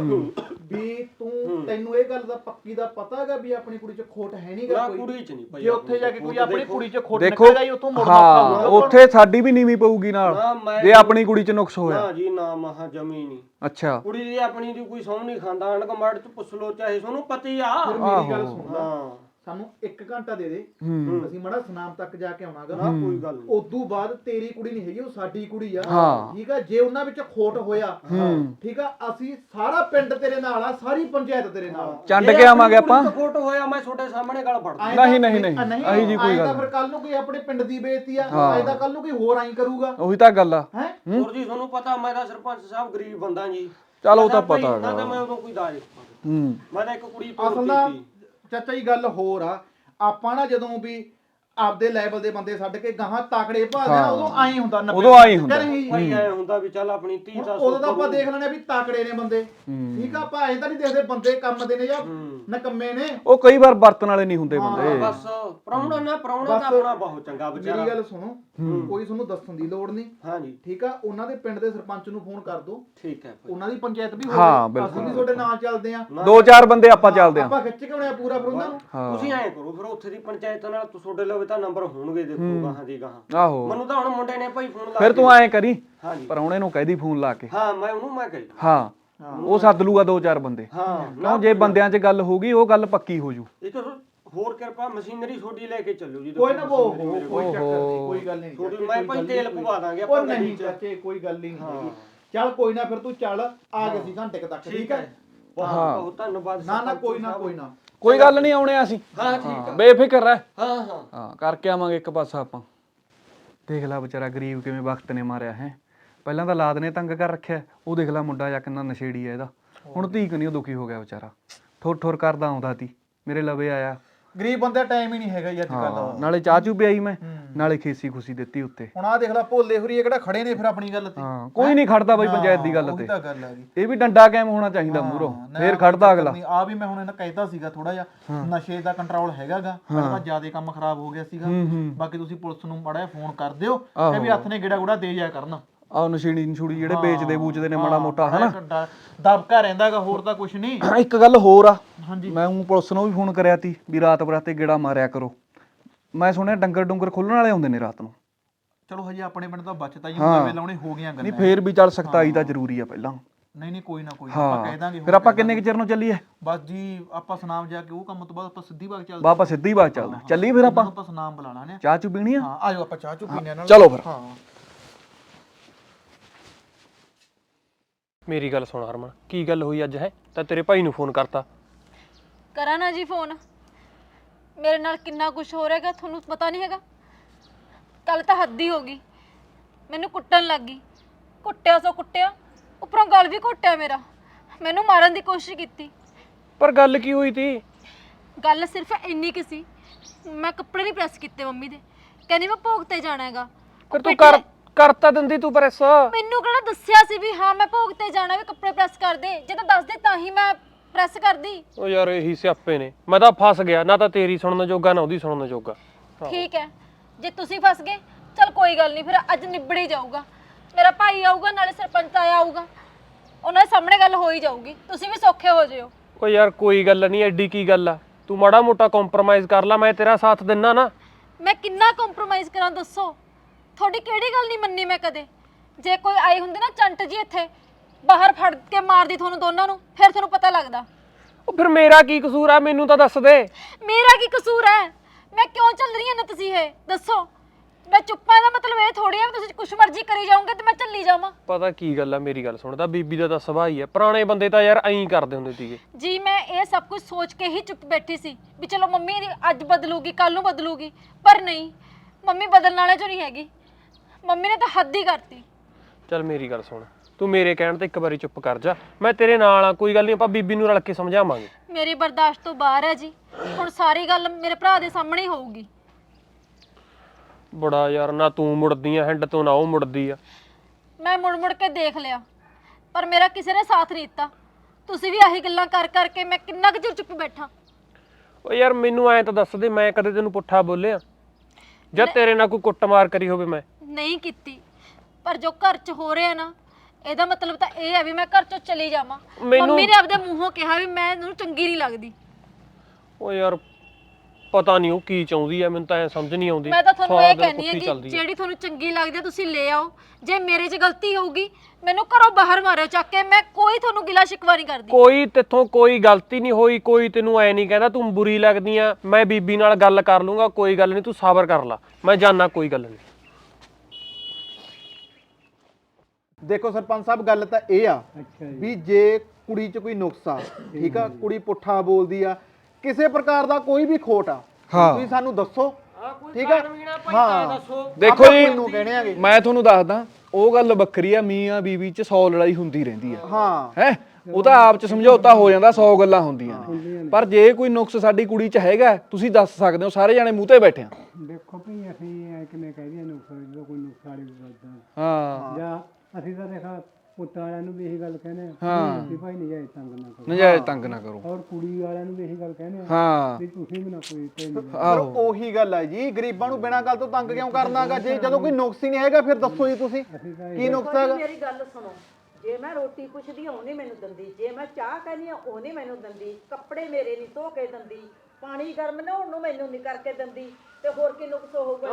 S4: ਵੀ ਤੂੰ ਤੈਨੂੰ ਇਹ ਗੱਲ ਦਾ ਪੱਕੀ ਦਾ ਪਤਾ ਹੈਗਾ ਵੀ ਆਪਣੀ ਕੁੜੀ 'ਚ ਖੋਟ ਹੈ ਨਹੀਂਗਾ
S3: ਨਾ
S4: ਕੋਈ
S3: ਕੁੜੀ ਚ ਨਹੀਂ ਭਾਈ
S4: ਜੇ ਉੱਥੇ ਜਾ ਕੇ ਕੋਈ ਆਪਣੀ ਕੁੜੀ 'ਚ ਖੋਟ
S6: ਦੇਖੋ
S4: ਨਿਕਲ ਗਈ ਉੱਥੋਂ ਮੁੜਨਾ
S6: ਹਾਂ ਉੱਥੇ ਸਾਡੀ ਵੀ ਨੀਵੀਂ ਪਊਗੀ ਨਾਲ
S3: ਨਾ ਮੈਂ
S6: ਜੇ ਆਪਣੀ ਕੁੜੀ 'ਚ ਨੁਕਸ ਹੋਇਆ।
S3: ਨਾ ਜੀ ਨਾ ਮਹਾ ਜਮੀ ਨਹੀਂ
S6: ਅੱਛਾ
S3: ਕੁੜੀ ਦੀ ਆਪਣੀ ਦੀ ਕੋਈ ਸੌਂ ਨਹੀਂ ਖਾਂਦਾ ਅਣ ਕਮਾੜ ਚ ਪੁੱਛ ਲੋ ਚਾਹੇ ਤੁਹਾਨੂੰ ਪਤੀ ਆ
S4: ਫਿਰ ਮੇਰੀ ਗੱਲ ਸੁਣ ਲਾ
S3: ਹਾਂ
S4: ਸਾਨੂੰ ਇੱਕ ਘੰਟਾ ਦੇ ਦੇ
S6: ਹੂੰ
S4: ਅਸੀਂ ਮੜਾ ਸਨਾਮ ਤੱਕ ਜਾ ਕੇ ਆਉਣਾਗਾ
S3: ਨਾ ਕੋਈ ਗੱਲ ਨਹੀਂ
S4: ਉਦੋਂ ਬਾਅਦ ਤੇਰੀ ਕੁੜੀ ਨਹੀਂ ਹੈਗੀ ਉਹ ਸਾਡੀ ਕੁੜੀ ਆ
S6: ਹਾਂ।
S4: ਠੀਕ ਆ ਜੇ ਉਹਨਾਂ ਵਿੱਚ ਖੋਟ ਹੋਇਆ ਠੀਕ ਆ ਅਸੀਂ ਸਾਰਾ ਪਿੰਡ ਤੇਰੇ ਨਾਲ ਆ ਸਾਰੀ ਪੰਚਾਇਤ ਤੇਰੇ ਨਾਲ
S6: ਚੰਡ ਕੇ ਆਵਾਂਗੇ ਆਪਾਂ।
S3: ਫੋਟੋ ਹੋਇਆ ਮੈਂ ਛੋਟੇ ਸਾਹਮਣੇ ਗੱਲ ਫੜਦਾ
S4: ਆਏਂ ਤਾਂ-
S6: ਨਹੀਂ, ਨਹੀਂ, ਨਹੀਂ,
S4: ਨਹੀਂ,
S6: ਇਹੀ ਜਿਹੀ ਕੋਈ
S4: ਆਏਂ
S6: ਗੱਲ
S4: ਤਾਂ ਫਿਰ ਕੱਲ ਨੂੰ ਕੋਈ ਆਪਣੇ ਪਿੰਡ ਦੀ ਬੇਇੱਜ਼ਤੀ ਆ ਐ ਤਾਂ ਕੱਲ ਨੂੰ ਕੋਈ ਹੋਰ ਆਈ ਕਰੂਗਾ
S6: ਉਹੀ ਤਾਂ ਗੱਲ ਆ।
S4: ਹੈ
S3: ਹੋਰ ਜੀ ਤੁਹਾਨੂੰ ਪਤਾ ਮੈਂ ਤਾਂ ਸਰਪੰਚ ਸਾਹਿਬ ਗਰੀਬ ਬੰਦਾ ਜੀ
S6: ਚੱਲ ਉਹ ਤਾਂ
S3: ਭਾਈ,
S6: ਪਤਾ
S3: ਨਾ
S6: ਹੈਗਾ।
S3: ਤਾਂ ਮੈਂ ਉਦੋਂ ਕੋਈ ਦਾਜ
S6: ਹੂੰ
S3: ਮੈਂ ਤਾਂ ਇੱਕ ਕੁੜੀ
S4: ਅਸਲ
S3: ਤੋਰ
S4: ਦਾ
S3: ਦਿੱਤੀ
S4: ਚਾਚਾ ਜੀ ਗੱਲ ਹੋਰ ਆ ਆਪਾਂ ਨਾ ਜਦੋਂ ਵੀ ਆਪਦੇ ਲੈਵਲ ਦੇ ਬੰਦੇ ਛੱਡ ਕੇ ਗਾਹਾਂ ਤਾਕੜੇ ਭਾਲਦੇ ਆ, ਉਦੋਂ ਆਈ ਹੁੰਦਾ ਨੱਬੇ
S6: ਉਦੋਂ ਆਏਂ ਹੁੰਦਾ।
S3: ਭਾਈ ਐ ਹੁੰਦਾ ਵੀ ਚੱਲ ਆਪਣੀ ਧੀ ਦਾ
S4: ਉਦੋਂ ਤਾਂ ਆਪਾਂ ਦੇਖ ਲੈਣੇ ਵੀ ਤਾਕੜੇ ਨੇ ਬੰਦੇ, ਠੀਕ ਆ, ਆਪਾਂ ਐਂ ਤਾਂ ਨਹੀਂ ਦੇਖਦੇ ਬੰਦੇ ਕੰਮ ਦੇ ਨੇ ਜਾਂ ਨਕੰਮੇ ਨੇ।
S6: ਉਹ ਕਈ ਵਾਰ ਵਰਤਣ ਵਾਲੇ ਨਹੀਂ ਹੁੰਦੇ ਬੰਦੇ।
S3: ਬਸ ਪ੍ਰਾਹੁਣਾ ਨਾ ਪ੍ਰਾਹੁਣਾ ਤਾਂ ਆਪਣਾ ਬਹੁਤ ਚੰਗਾ ਵਿਚਾਰਾ।
S4: ਮੇਰੀ ਗੱਲ ਸੁਣੋ, ਕੋਈ ਤੁਹਾਨੂੰ ਦੱਸਣ ਦੀ ਲੋੜ ਨਹੀਂ,
S3: ਹਾਂਜੀ
S4: ਠੀਕ ਆ। ਉਹਨਾਂ ਦੇ ਪਿੰਡ ਦੇ ਸਰਪੰਚ ਨੂੰ ਫੋਨ ਕਰ ਦਿਓ,
S3: ਠੀਕ ਹੈ ਭਾਈ।
S4: ਉਹਨਾਂ ਦੀ ਪੰਚਾਇਤ ਵੀ
S6: ਹਾਂ,
S4: ਹੋਵੇ,
S6: ਬਿਲਕੁਲ।
S4: ਅਸੀਂ ਵੀ ਤੁਹਾਡੇ ਨਾਲ ਚੱਲਦੇ ਆ।
S6: ਦੋ ਚਾਰ ਬੰਦੇ ਆਪਾਂ ਚੱਲਦੇ ਆ।
S4: ਆਪਾਂ ਖਿੱਚ ਕੇ ਆਉਣੇ ਆ ਪੂਰਾ ਫਿਰ ਉਹਨਾਂ ਨੂੰ।
S3: ਤੁਸੀਂ ਐਂ ਕਰੋ ਫਿਰ ਉੱਥੇ ਦੀ ਪੰਚਾਇਤ ਨਾਲ ਤੁਹਾਡੇ ਲਵੇ ਤਾਂ ਨੰਬਰ ਹੋਣਗੇ, ਦੇਖੋ ਗਾਹਾਂ ਦੀ ਗਾਹਾਂ।
S6: ਆਹੋ
S3: ਮੈਨੂੰ ਤਾਂ ਹੁਣ ਮੁੰਡੇ ਨੇ ਭਾਈ ਫੋਨ ਲਾ
S6: ਫਿਰ ਤੂੰ ਐਂ ਕਰੀ,
S3: ਹਾਂਜੀ
S6: ਪਰਾਉਣੇ ਨੂੰ ਕਹਿਦੀ ਫੋਨ ਲਾ ਕੇ।
S3: ਹਾਂ ਮੈਂ ਉਹਨੂੰ ਮੈਂ ਕਹੀ
S6: ਹਾਂ ਉਹ ਸੱਦ ਲੂਗਾ ਦੋ ਚਾਰ ਬੰਦੇ।
S3: ਹਾਂ
S6: ਕਿਉਂ ਜੇ ਬੰਦਿਆਂ 'ਚ ਗੱਲ ਹੋ ਗਈ ਉਹ ਗੱਲ ਪੱਕੀ ਹੋ ਜੂ।
S3: ਇੱਕ ਹੋਰ ਕਿਰਪਾ ਮਸ਼ੀਨਰੀ ਛੋਟੀ ਲੈ ਕੇ ਚੱਲਿਓ ਜੀ।
S4: ਕੋਈ ਨਾ ਉਹ ਕੋਈ ਚੱਕਰ ਨਹੀਂ, ਕੋਈ ਗੱਲ ਨਹੀਂ।
S3: ਛੋਟੀ ਮੈਂ ਭਾਈ ਤੇਲ ਪਵਾ ਦਾਂਗੇ
S4: ਉਹ
S3: ਆਪਾਂ
S4: ਨਹੀਂ ਚਾਚੇ, ਕੋਈ ਗੱਲ ਹੀ ਨਹੀਂ ਹੈਗੀ। ਚੱਲ ਕੋਈ ਨਾ, ਫਿਰ ਤੂੰ ਚੱਲ ਆ ਗਏ ਸੀ ਘੰਟੇ ਕੁ ਤੱਕ, ਠੀਕ ਹੈ।
S3: ਬਹੁਤ ਬਹੁਤ ਧੰਨਵਾਦ।
S4: ਨਾ ਨਾ ਕੋਈ ਨਾ ਕੋਈ ਨਾ
S6: ਕੋਈ ਗੱਲ ਨਹੀਂ, ਆਉਣੇ ਆ ਅਸੀਂ।
S3: ਹਾਂ ਠੀਕ ਆ।
S6: ਬੇਫਿਕਰ ਰਹਿ।
S3: ਹਾਂ ਹਾਂ
S6: ਹਾਂ ਕਰਕੇ ਆਵਾਂਗੇ ਇੱਕ ਪਾਸਾ ਆਪਾਂ। ਦੇਖ ਲੈ ਵਿਚਾਰਾ ਗਰੀਬ ਕਿਵੇਂ ਵਕਤ ਨੇ ਮਾਰਿਆ ਹੈ। ਪਹਿਲਾਂ ਤਾਂ ਲਾਦ ਨੇ ਤੰਗ ਕਰ ਰੱਖਿਆ, ਉਹ ਦੇਖ ਲੈ ਮੁੰਡਾ ਜਾਂ ਕਿੰਨਾ ਨਸ਼ੇੜੀ ਹੈ ਇਹਦਾ। ਹੁਣ ਧੀ ਕਨੀ ਉਹ ਦੁਖੀ ਹੋ ਗਿਆ ਵਿਚਾਰਾ, ਠੋਰ ਠੋਰ ਕਰਦਾ ਆਉਂਦਾ ਤੀ ਮੇਰੇ ਲਵੇ ਆਇਆ।
S4: ਗਰੀਬ ਬੰਦੇ ਟਾਈਮ ਹੀ ਨਹੀਂ ਹੈਗਾ ਜੀ ਅੱਜ ਕੱਲ।
S6: ਨਾਲੇ ਚਾਹ ਚੂ ਪਿਆਈ ਮੈਂ, ਨਾਲੇ ਖੇਸੀ ਖੁਸੀ ਦਿੱਤੀ ਉੱਤੇ।
S4: ਹੁਣ ਆ ਦੇਖ ਲੈ ਭੋਲੇ ਹੁਰੀ ਕਿਹੜਾ ਖੜੇ ਨੇ ਫਿਰ ਆਪਣੀ ਗੱਲ ਤੇ।
S6: ਹਾਂ ਕੋਈ ਨਹੀਂ ਖੜਦਾ ਬਾਈ ਪੰਚਾਇਤ ਦੀ ਗੱਲ
S4: ਉਹੀ
S6: ਤੇ।
S4: ਤਾਂ ਗੱਲ ਹੈਗੀ।
S6: ਇਹ ਵੀ ਡੰਡਾ ਕਾਇਮ ਹੋਣਾ ਚਾਹੀਦਾ ਮੂਹਰੋਂ, ਫੇਰ ਖੜਦਾ ਅਗਲਾ।
S4: ਆ ਵੀ ਮੈਂ ਹੁਣ ਇਹਨਾਂ ਕਹਿਤਾ ਸੀਗਾ ਥੋੜਾ ਜਿਹਾ ਨਸ਼ੇ ਦਾ ਕੰਟਰੋਲ ਹੈਗਾਗਾ, ਪਹਿਲਾਂ ਜਿਆਦਾ ਕੰਮ ਖਰਾਬ ਹੋ ਗਿਆ ਸੀਗਾ। ਬਾਕੀ ਤੁਸੀਂ ਪੁਲਿਸ ਨੂੰ ਮਾੜਾ ਜਿਹਾ ਫੋਨ ਕਰ ਦਿਓ ਕਿ ਵੀ ਹੱਥ ਨੇ ਗੇੜਾ ਗੁੜਾ ਦੇ ਜਾਇਆ ਕਰਨ।
S6: ਆਹ ਨਸ਼ੇੜੀ ਨਸ਼ੂੜੀ ਜਿਹੜੇ ਵੇਚਦੇ ਬੂਚਦੇ ਨੇ ਮਾੜਾ ਮੋਟਾ ਹਨਾ,
S4: ਦਬਕਾ ਰਹਿੰਦਾਗਾ, ਹੋਰ ਤਾਂ ਕੁਝ ਨਹੀਂ।
S6: ਇੱਕ ਗੱਲ ਹੋਰ ਆ,
S4: ਹਾਂਜੀ।
S6: ਮੈਂ ਉਹ ਪੁਲਿਸ ਨੂੰ ਵੀ ਫੋਨ ਕਰਿਆ ਤੀ ਵੀ ਰਾਤ ਬਰਾਤੇ ਗੇੜਾ ਮਾਰਿਆ ਕਰੋ। ਮੈਂ ਸੁਣਿਆ ਡੰਗਰ ਡੁੰਗਰ ਖੋਲਣ ਵਾਲੇ ਹੁੰਦੇ ਨੇ ਰਾਤ ਨੂੰ।
S4: ਚਲੋ ਹਜੇ ਆਪਣੇ ਪਿੰਡ ਤਾਂ ਬਚਤਾ ਜੀ, ਨਵੇਂ ਲਾਉਣੇ ਹੋ ਗਈਆਂ
S6: ਨਹੀਂ
S4: ਗੱਲਾਂ।
S6: ਫੇਰ ਵੀ ਚੱਲ ਸਖਤਾਈ ਤਾਂ ਜ਼ਰੂਰੀ ਆ ਪਹਿਲਾਂ।
S4: ਨਹੀਂ ਨਹੀਂ ਕੋਈ ਨਾ ਕੋਈ ਨਾ, ਆਪਾਂ ਕਹਿ
S6: ਹਾਂ
S4: ਦਾਂਗੇ।
S6: ਫਿਰ ਆਪਾਂ ਕਿੰਨੇ ਕੁ ਚਿਰ ਨੂੰ ਚੱਲੀਏ?
S4: ਬਸ ਜੀ ਆਪਾਂ ਸੁਨਾਮ ਜਾ ਕੇ ਉਹ ਕੰਮ ਤੋਂ ਬਾਅਦ ਆਪਾਂ ਸਿੱਧੀ ਬਾਗ ਚੱਲਦੇ।
S6: ਬਾਪਾ ਸਿੱਧੀ ਬਾਤ ਚੱਲਦੇ ਚੱਲੀ ਫਿਰ ਆਪਾਂ।
S4: ਆਪਾਂ ਸੁਨਾਮ ਬੁਲਾਣਾ ਨੇ।
S6: ਚਾਹ ਚੂ ਪੀਣੀ ਆ?
S4: ਹਾਂ ਆਜੋ ਆਪਾਂ ਚਾਹ ਚੂ ਪੀਣੇ ਨਾਲ।
S6: ਚਲੋ ਫਿਰ।
S4: ਹਾਂ
S3: ਮੇਰੀ ਗੱਲ ਸੁਣ ਹਰਮਨ, ਕੀ ਗੱਲ ਹੋਈ ਅੱਜ ਹੈ ਤਾਂ ਤੇਰੇ ਭਾਈ ਨੂੰ ਫੋਨ ਕਰਤਾ?
S1: ਕਰਾਂ ਨਾ ਜੀ ਫੋਨ। ਮੇਰੇ ਨਾਲ ਕਿੰਨਾ ਕੁਝ ਹੋ ਰਿਹਾਗਾ ਤੁਹਾਨੂੰ ਪਤਾ ਨਹੀਂ ਹੈਗਾ। ਕੱਲ ਤਾਂ ਹੱਦ ਹੀ ਹੋ ਗਈ, ਮੈਨੂੰ ਕੁੱਟਣ ਲੱਗ ਗਈ। ਕੁੱਟਿਆ ਸੋ ਕੁੱਟਿਆ, ਉੱਪਰੋਂ ਗਲ ਵੀ ਘੋਟਿਆ ਮੇਰਾ। ਮੈਨੂੰ ਮਾਰਨ ਦੀ ਕੋਸ਼ਿਸ਼ ਕੀਤੀ।
S3: ਪਰ ਗੱਲ ਕੀ ਹੋਈ ਤੀ?
S1: ਗੱਲ ਸਿਰਫ ਇੰਨੀ ਕਿ ਸੀ, ਮੈਂ ਕੱਪੜੇ ਨਹੀਂ ਪ੍ਰੈਸ ਕੀਤੇ ਮੰਮੀ ਦੇ, ਕਹਿੰਦੀ ਮੈਂ ਭੋਗ ਤੇ ਜਾਣਾ ਹੈਗਾ।
S3: ਫਿਰ ਤੂੰ ਕਰ ਕਰਤਾ ਦਿੰਦੀ ਤੂੰ ਪ੍ਰੈਸ।
S1: ਮੈਨੂੰ ਕਿਹੜਾ ਦੱਸਿਆ ਸੀ ਵੀ ਹਾਂ ਮੈਂ ਭੋਗ ਤੇ ਜਾਣਾ, ਵੀ ਕੱਪੜੇ ਪ੍ਰੈਸ ਕਰ ਦੇ। ਜੇ ਤਾਂ ਦੱਸ ਦੇ ਤਾਂ ਹੀ ਮੈਂ ਪ੍ਰੈਸ ਕਰਦੀ।
S3: ਉਹ ਯਾਰ ਇਹੀ ਸਿਆਪੇ ਨੇ, ਮੈਂ ਤਾਂ ਫਸ ਗਿਆ, ਨਾ ਤਾਂ ਤੇਰੀ ਸੁਣਨ ਜੋਗਾ ਨਾ ਉਹਦੀ ਸੁਣਨ ਜੋਗਾ।
S1: ਠੀਕ ਹੈ, ਜੇ ਤੁਸੀਂ ਫਸ ਗਏ ਚਲ ਕੋਈ ਗੱਲ ਨਹੀਂ, ਫਿਰ ਅੱਜ ਨਿਬੜ ਹੀ ਜਾਊਗਾ। ਮੇਰਾ ਭਾਈ ਆਊਗਾ, ਨਾਲੇ ਸਰਪੰਚ ਆਇਆ ਆਊਗਾ, ਉਹਨਾਂ ਦੇ ਸਾਹਮਣੇ ਗੱਲ ਹੋ ਹੀ ਜਾਊਗੀ। ਤੁਸੀਂ ਵੀ ਸੌਖੇ ਹੋ ਜਿਓ।
S3: ਉਹ ਯਾਰ ਕੋਈ ਗੱਲ ਨਹੀਂ, ਐਡੀ ਕੀ ਗੱਲ ਆ, ਤੂੰ ਮਾੜਾ ਮੋਟਾ ਕੰਪਰੋਮਾਈਜ਼ ਕਰ ਲੈ, ਮੈਂ ਤੇਰਾ ਸਾਥ ਦਿੰਨਾ ਨਾ।
S1: ਮੈਂ ਕਿੰਨਾ ਕੰਪਰੋਮਾਈਜ਼ ਕਰਾਂ ਦੱਸੋ? ਤੁਹਾਡੀ ਕਿਹੜੀ ਗੱਲ ਨਹੀਂ ਮੰਨੀ ਮੈਂ ਕਦੇ? ਜੇ ਕੋਈ ਆਈ ਹੁੰਦੀ ਨਾ ਚੰਟ ਜੀ ਇੱਥੇ, ਬਾਹਰ ਫੜ ਕੇ ਮਾਰਦੀ ਤੁਹਾਨੂੰ ਦੋਨਾਂ ਨੂੰ, ਫਿਰ ਤੁਹਾਨੂੰ ਪਤਾ ਲੱਗਦਾ।
S3: ਉਹ ਫਿਰ ਮੇਰਾ ਕੀ ਕਸੂਰ ਆ, ਮੈਨੂੰ ਤਾਂ ਦੱਸ ਦੇ।
S1: ਮੇਰਾ ਕੀ ਕਸੂਰ ਹੈ? ਮੈਂ ਕਿਉਂ ਚੱਲ ਰਹੀ ਹਾਂ ਨਾ, ਤੁਸੀਂ ਇਹ ਦੱਸੋ। ਮੈਂ ਚੁੱਪਾਂ ਦਾ ਮਤਲਬ ਇਹ ਥੋੜੀ ਆ ਤੁਸੀਂ ਕੁਛ ਮਰਜ਼ੀ ਕਰੀ ਜਾਓਗੇ ਤੇ ਮੈਂ ਚੱਲੀ ਜਾਵਾਂ।
S3: ਪਤਾ ਕੀ ਗੱਲ ਆ, ਮੇਰੀ ਗੱਲ ਸੁਣਦਾ, ਬੀਬੀ ਦਾ ਤਾਂ ਸੁਭਾਅ ਹੀ ਆ, ਪੁਰਾਣੇ ਬੰਦੇ ਤਾਂ ਯਾਰ ਐਂ ਕਰਦੇ ਹੁੰਦੇ ਸੀਗੇ
S1: ਜੀ। ਮੈਂ ਇਹ ਸਭ ਕੁਝ ਸੋਚ ਕੇ ਹੀ ਚੁੱਪ ਬੈਠੀ ਸੀ ਵੀ ਚਲੋ ਮੰਮੀ ਅੱਜ ਬਦਲੂਗੀ, ਕੱਲ ਨੂੰ ਬਦਲੂਗੀ, ਪਰ ਨਹੀਂ, ਮੰਮੀ ਬਦਲਣ ਵਾਲੇ ਚੋਂ ਨਹੀਂ ਹੈਗੀ। ਮੰਮੀ ਨੇ ਤਾਂ ਹੱਦ ਹੀ ਕਰਤੀ।
S3: ਚੱਲ ਮੇਰੀ ਗੱਲ ਸੁਣ, ਤੂੰ ਮੇਰੇ ਕਹਿਣ ਤੇ ਇੱਕ ਵਾਰੀ ਚੁੱਪ ਕਰ ਜਾ, ਮੈਂ ਤੇਰੇ ਨਾਲ ਆ, ਕੋਈ ਗੱਲ ਨਹੀਂ, ਆਪਾਂ ਬੀਬੀ ਨੂੰ ਰਲ ਕੇ ਸਮਝਾਵਾਂਗੇ।
S1: ਮੇਰੀ ਬਰਦਾਸ਼ਤ ਤੋਂ ਬਾਹਰ ਹੈ ਜੀ, ਹੁਣ ਸਾਰੀ ਗੱਲ ਮੇਰੇ ਭਰਾ ਦੇ ਸਾਹਮਣੇ ਹੀ ਹੋਊਗੀ।
S3: ਬੜਾ ਯਾਰ, ਨਾ ਤੂੰ ਮੁੜਦੀ ਆ ਹੈਂਡ ਤੋਂ, ਨਾ ਉਹ ਮੁੜਦੀ ਆ।
S1: ਮੈਂ ਮੁੜ ਮੁੜ ਕੇ ਦੇਖ ਲਿਆ, ਪਰ ਮੇਰਾ ਕਿਸੇ ਨੇ ਸਾਥ ਨਹੀਂ ਦਿੱਤਾ। ਤੁਸੀਂ ਵੀ ਆਹੀ ਗੱਲਾਂ ਕਰ ਕਰਕੇ ਮੈਂ ਕਿੰਨਾ ਕੁ ਚਿਰ ਚੁੱਪ ਬੈਠਾ।
S3: ਓ ਯਾਰ ਮੈਨੂੰ ਐਂ ਤਾਂ ਦੱਸ ਦੇ, ਮੈਂ ਕਦੇ ਤੈਨੂੰ ਪੁੱਠਾ ਬੋਲਿਆ ਜਾਂ ਤੇਰੇ ਨਾਲ ਕੋਈ ਕੁੱਟਮਾਰ ਕਰੀ ਹੋਵੇ? ਮੈਂ
S1: ਨਹੀਂ ਕੀਤੀ, ਪਰ ਜੋ ਘਰ 'ਚ ਹੋ ਰਿਹਾ ਨਾ, ਇਹਦਾ ਮਤਲਬ ਤਾਂ ਇਹ ਹੈ ਵੀ ਮੈਂ ਘਰ 'ਚੋਂ ਚਲੀ ਜਾਵਾਂ। ਮੰਮੀ ਨੇ ਆਪਦੇ ਮੂੰਹੋਂ ਕਿਹਾ ਵੀ ਮੈਂ ਇਹਨੂੰ ਚੰਗੀ ਨਹੀਂ ਲੱਗਦੀ।
S3: ਓ ਯਾਰ ਪਤਾ ਨਹੀਂ ਉਹ ਕੀ ਚਾਹੁੰਦੀ ਐ, ਮੈਨੂੰ ਤਾਂ ਐ ਸਮਝ ਨਹੀਂ ਆਉਂਦੀ।
S1: ਮੈਂ ਤਾਂ ਤੁਹਾਨੂੰ ਇਹ ਕਹਿੰਦੀ ਹਾਂ ਕਿ ਜਿਹੜੀ ਤੁਹਾਨੂੰ ਚੰਗੀ ਲੱਗਦੀ ਤੁਸੀਂ ਲੈ ਆਓ। ਜੇ ਮੇਰੇ 'ਚ ਗਲਤੀ ਹੋਊਗੀ ਮੈਨੂੰ ਘਰੋਂ ਬਾਹਰ ਮਾਰਿਓ ਚੱਕ ਕੇ, ਮੈਂ ਕੋਈ ਤੁਹਾਨੂੰ ਗਿਲਾ ਸ਼ਿਕਵਾ ਨਹੀਂ ਕਰਦੀ।
S3: ਕੋਈ ਤੇਥੋਂ ਕੋਈ ਗਲਤੀ ਨਹੀਂ ਹੋਈ, ਕੋਈ ਤੈਨੂੰ ਐ ਨਹੀਂ ਕਹਿੰਦਾ ਤੂੰ ਬੁਰੀ ਲੱਗਦੀ ਆ। ਮੈਂ ਬੀਬੀ ਨਾਲ ਗੱਲ ਕਰ ਲੂੰਗਾ, ਕੋਈ ਗੱਲ ਨਹੀਂ, ਤੂੰ ਸਬਰ ਕਰ ਲੈ, ਮੈਂ ਜਾਣਾ, ਕੋਈ ਗੱਲ ਨਹੀਂ।
S4: ਦੇਖੋ ਸਰਪੰਚ ਸਾਹਿਬ, ਗੱਲ ਤਾਂ ਇਹ ਆ ਵੀ ਜੇ ਕੁੜੀ 'ਚ ਕੋਈ ਨੁਕਸ ਆ, ਠੀਕ ਆ, ਕੁੜੀ ਪੁੱਠਾ ਬੋਲਦੀ ਆ, ਕਿਸੇ ਪ੍ਰਕਾਰ ਦਾ ਕੋਈ ਵੀ ਖੋਟ ਆ, ਤੁਸੀਂ ਸਾਨੂੰ ਦੱਸੋ, ਠੀਕ ਆ? ਹਾਂ
S6: ਦੇਖੋ ਜੀ,
S4: ਨੂੰ ਕਹਿਣੇ ਆਗੇ
S6: ਮੈਂ ਤੁਹਾਨੂੰ ਦੱਸਦਾ, ਉਹ ਗੱਲ ਵੱਖਰੀ ਆ, ਮੀਆਂ ਬੀਵੀ ਚ ਸੌ ਲੜਾਈ ਹੁੰਦੀ ਰਹਿੰਦੀ ਆ
S4: ਹਾਂ
S6: ਹੈ, ਉਹ ਤਾਂ ਆਪ ਚ ਸਮਝੌਤਾ ਹੋ ਜਾਂਦਾ, ਸੌ ਗੱਲਾਂ ਹੁੰਦੀਆਂ ਨੇ। ਪਰ ਜੇ ਕੋਈ ਨੁਕਸ ਸਾਡੀ ਕੁੜੀ ਚ ਹੈਗਾ, ਤੁਸੀਂ ਦੱਸ ਸਕਦੇ ਹੋ, ਸਾਰੇ ਜਾਣੇ ਮੂੰਹ ਤੇ ਬੈਠੇ ਆ।
S7: ਦੇਖੋ ਭਈ ਅਸੀਂ ਐ ਕਿਵੇਂ ਕਹਿ ਦਈਏ ਨੁਕਸ ਜਦੋਂ ਕੋਈ ਨੁਕਸ ਵਾਲੀ ਗੱਲ
S6: ਹਾਂ
S7: ਜਾਂ ਅਸੀਂ ਤਾਂ ਦੇਖਾ ਪੁੱਤ ਵਾਲਿਆਂ ਨੂੰ ਵੀ ਇਹੀ ਗੱਲ ਕਹਿੰਦੇ
S6: ਹਾਂ।
S7: ਵੀ ਭਾਈ ਨਜਾਇਜ਼ ਤੰਗ ਨਾ ਕਰੋ,
S6: ਨਜਾਇਜ਼ ਤੰਗ ਨਾ ਕਰੋ।
S7: ਔਰ ਕੁੜੀ ਵਾਲਿਆਂ ਨੂੰ ਵੀ ਇਹੀ ਗੱਲ ਕਹਿੰਦੇ ਆ
S6: ਹਾਂ
S7: ਵੀ ਤੁਸੀਂ ਵੀ ਨਾ ਕੋਈ ਤੇ
S4: ਫਿਰ
S6: ਆਹੋ
S4: ਉਹੀ ਗੱਲ ਹੈ ਜੀ, ਗਰੀਬਾਂ ਨੂੰ ਬਿਨਾਂ ਗੱਲ ਤੋਂ ਤੰਗ ਕਿਉਂ ਕਰਨਾਗਾ? ਜੇ ਜਦੋਂ ਕੋਈ ਨੁਕਸ ਹੀ ਨਹੀਂ ਹੈਗਾ ਫਿਰ ਦੱਸੋ ਜੀ ਤੁਸੀਂ ਕੀ ਨੁਕਸ ਹੈਗਾ?
S2: ਮੇਰੀ ਗੱਲ ਸੁਣੋ, ਜੇ ਮੈਂ ਰੋਟੀ ਪੁੱਛਦੀ ਉਹ ਨਹੀਂ ਮੈਨੂੰ ਦਿੰਦੀ, ਜੇ ਮੈਂ ਚਾਹ ਕਹਿੰਦੀ ਆ ਉਹ ਨਹੀਂ ਮੈਨੂੰ ਦਿੰਦੀ, ਕੱਪੜੇ ਮੇਰੇ ਨਹੀਂ ਧੋ ਕੇ ਦਿੰਦੀ, ਪਾਣੀ ਗਰਮ ਨਹਾਉਣ ਨੂੰ ਮੈਨੂੰ ਨਹੀਂ ਕਰਕੇ ਦਿੰਦੀ, ਤੇ ਹੋਰ ਕੀ ਨੁਕਸ ਹੋਊਗਾ?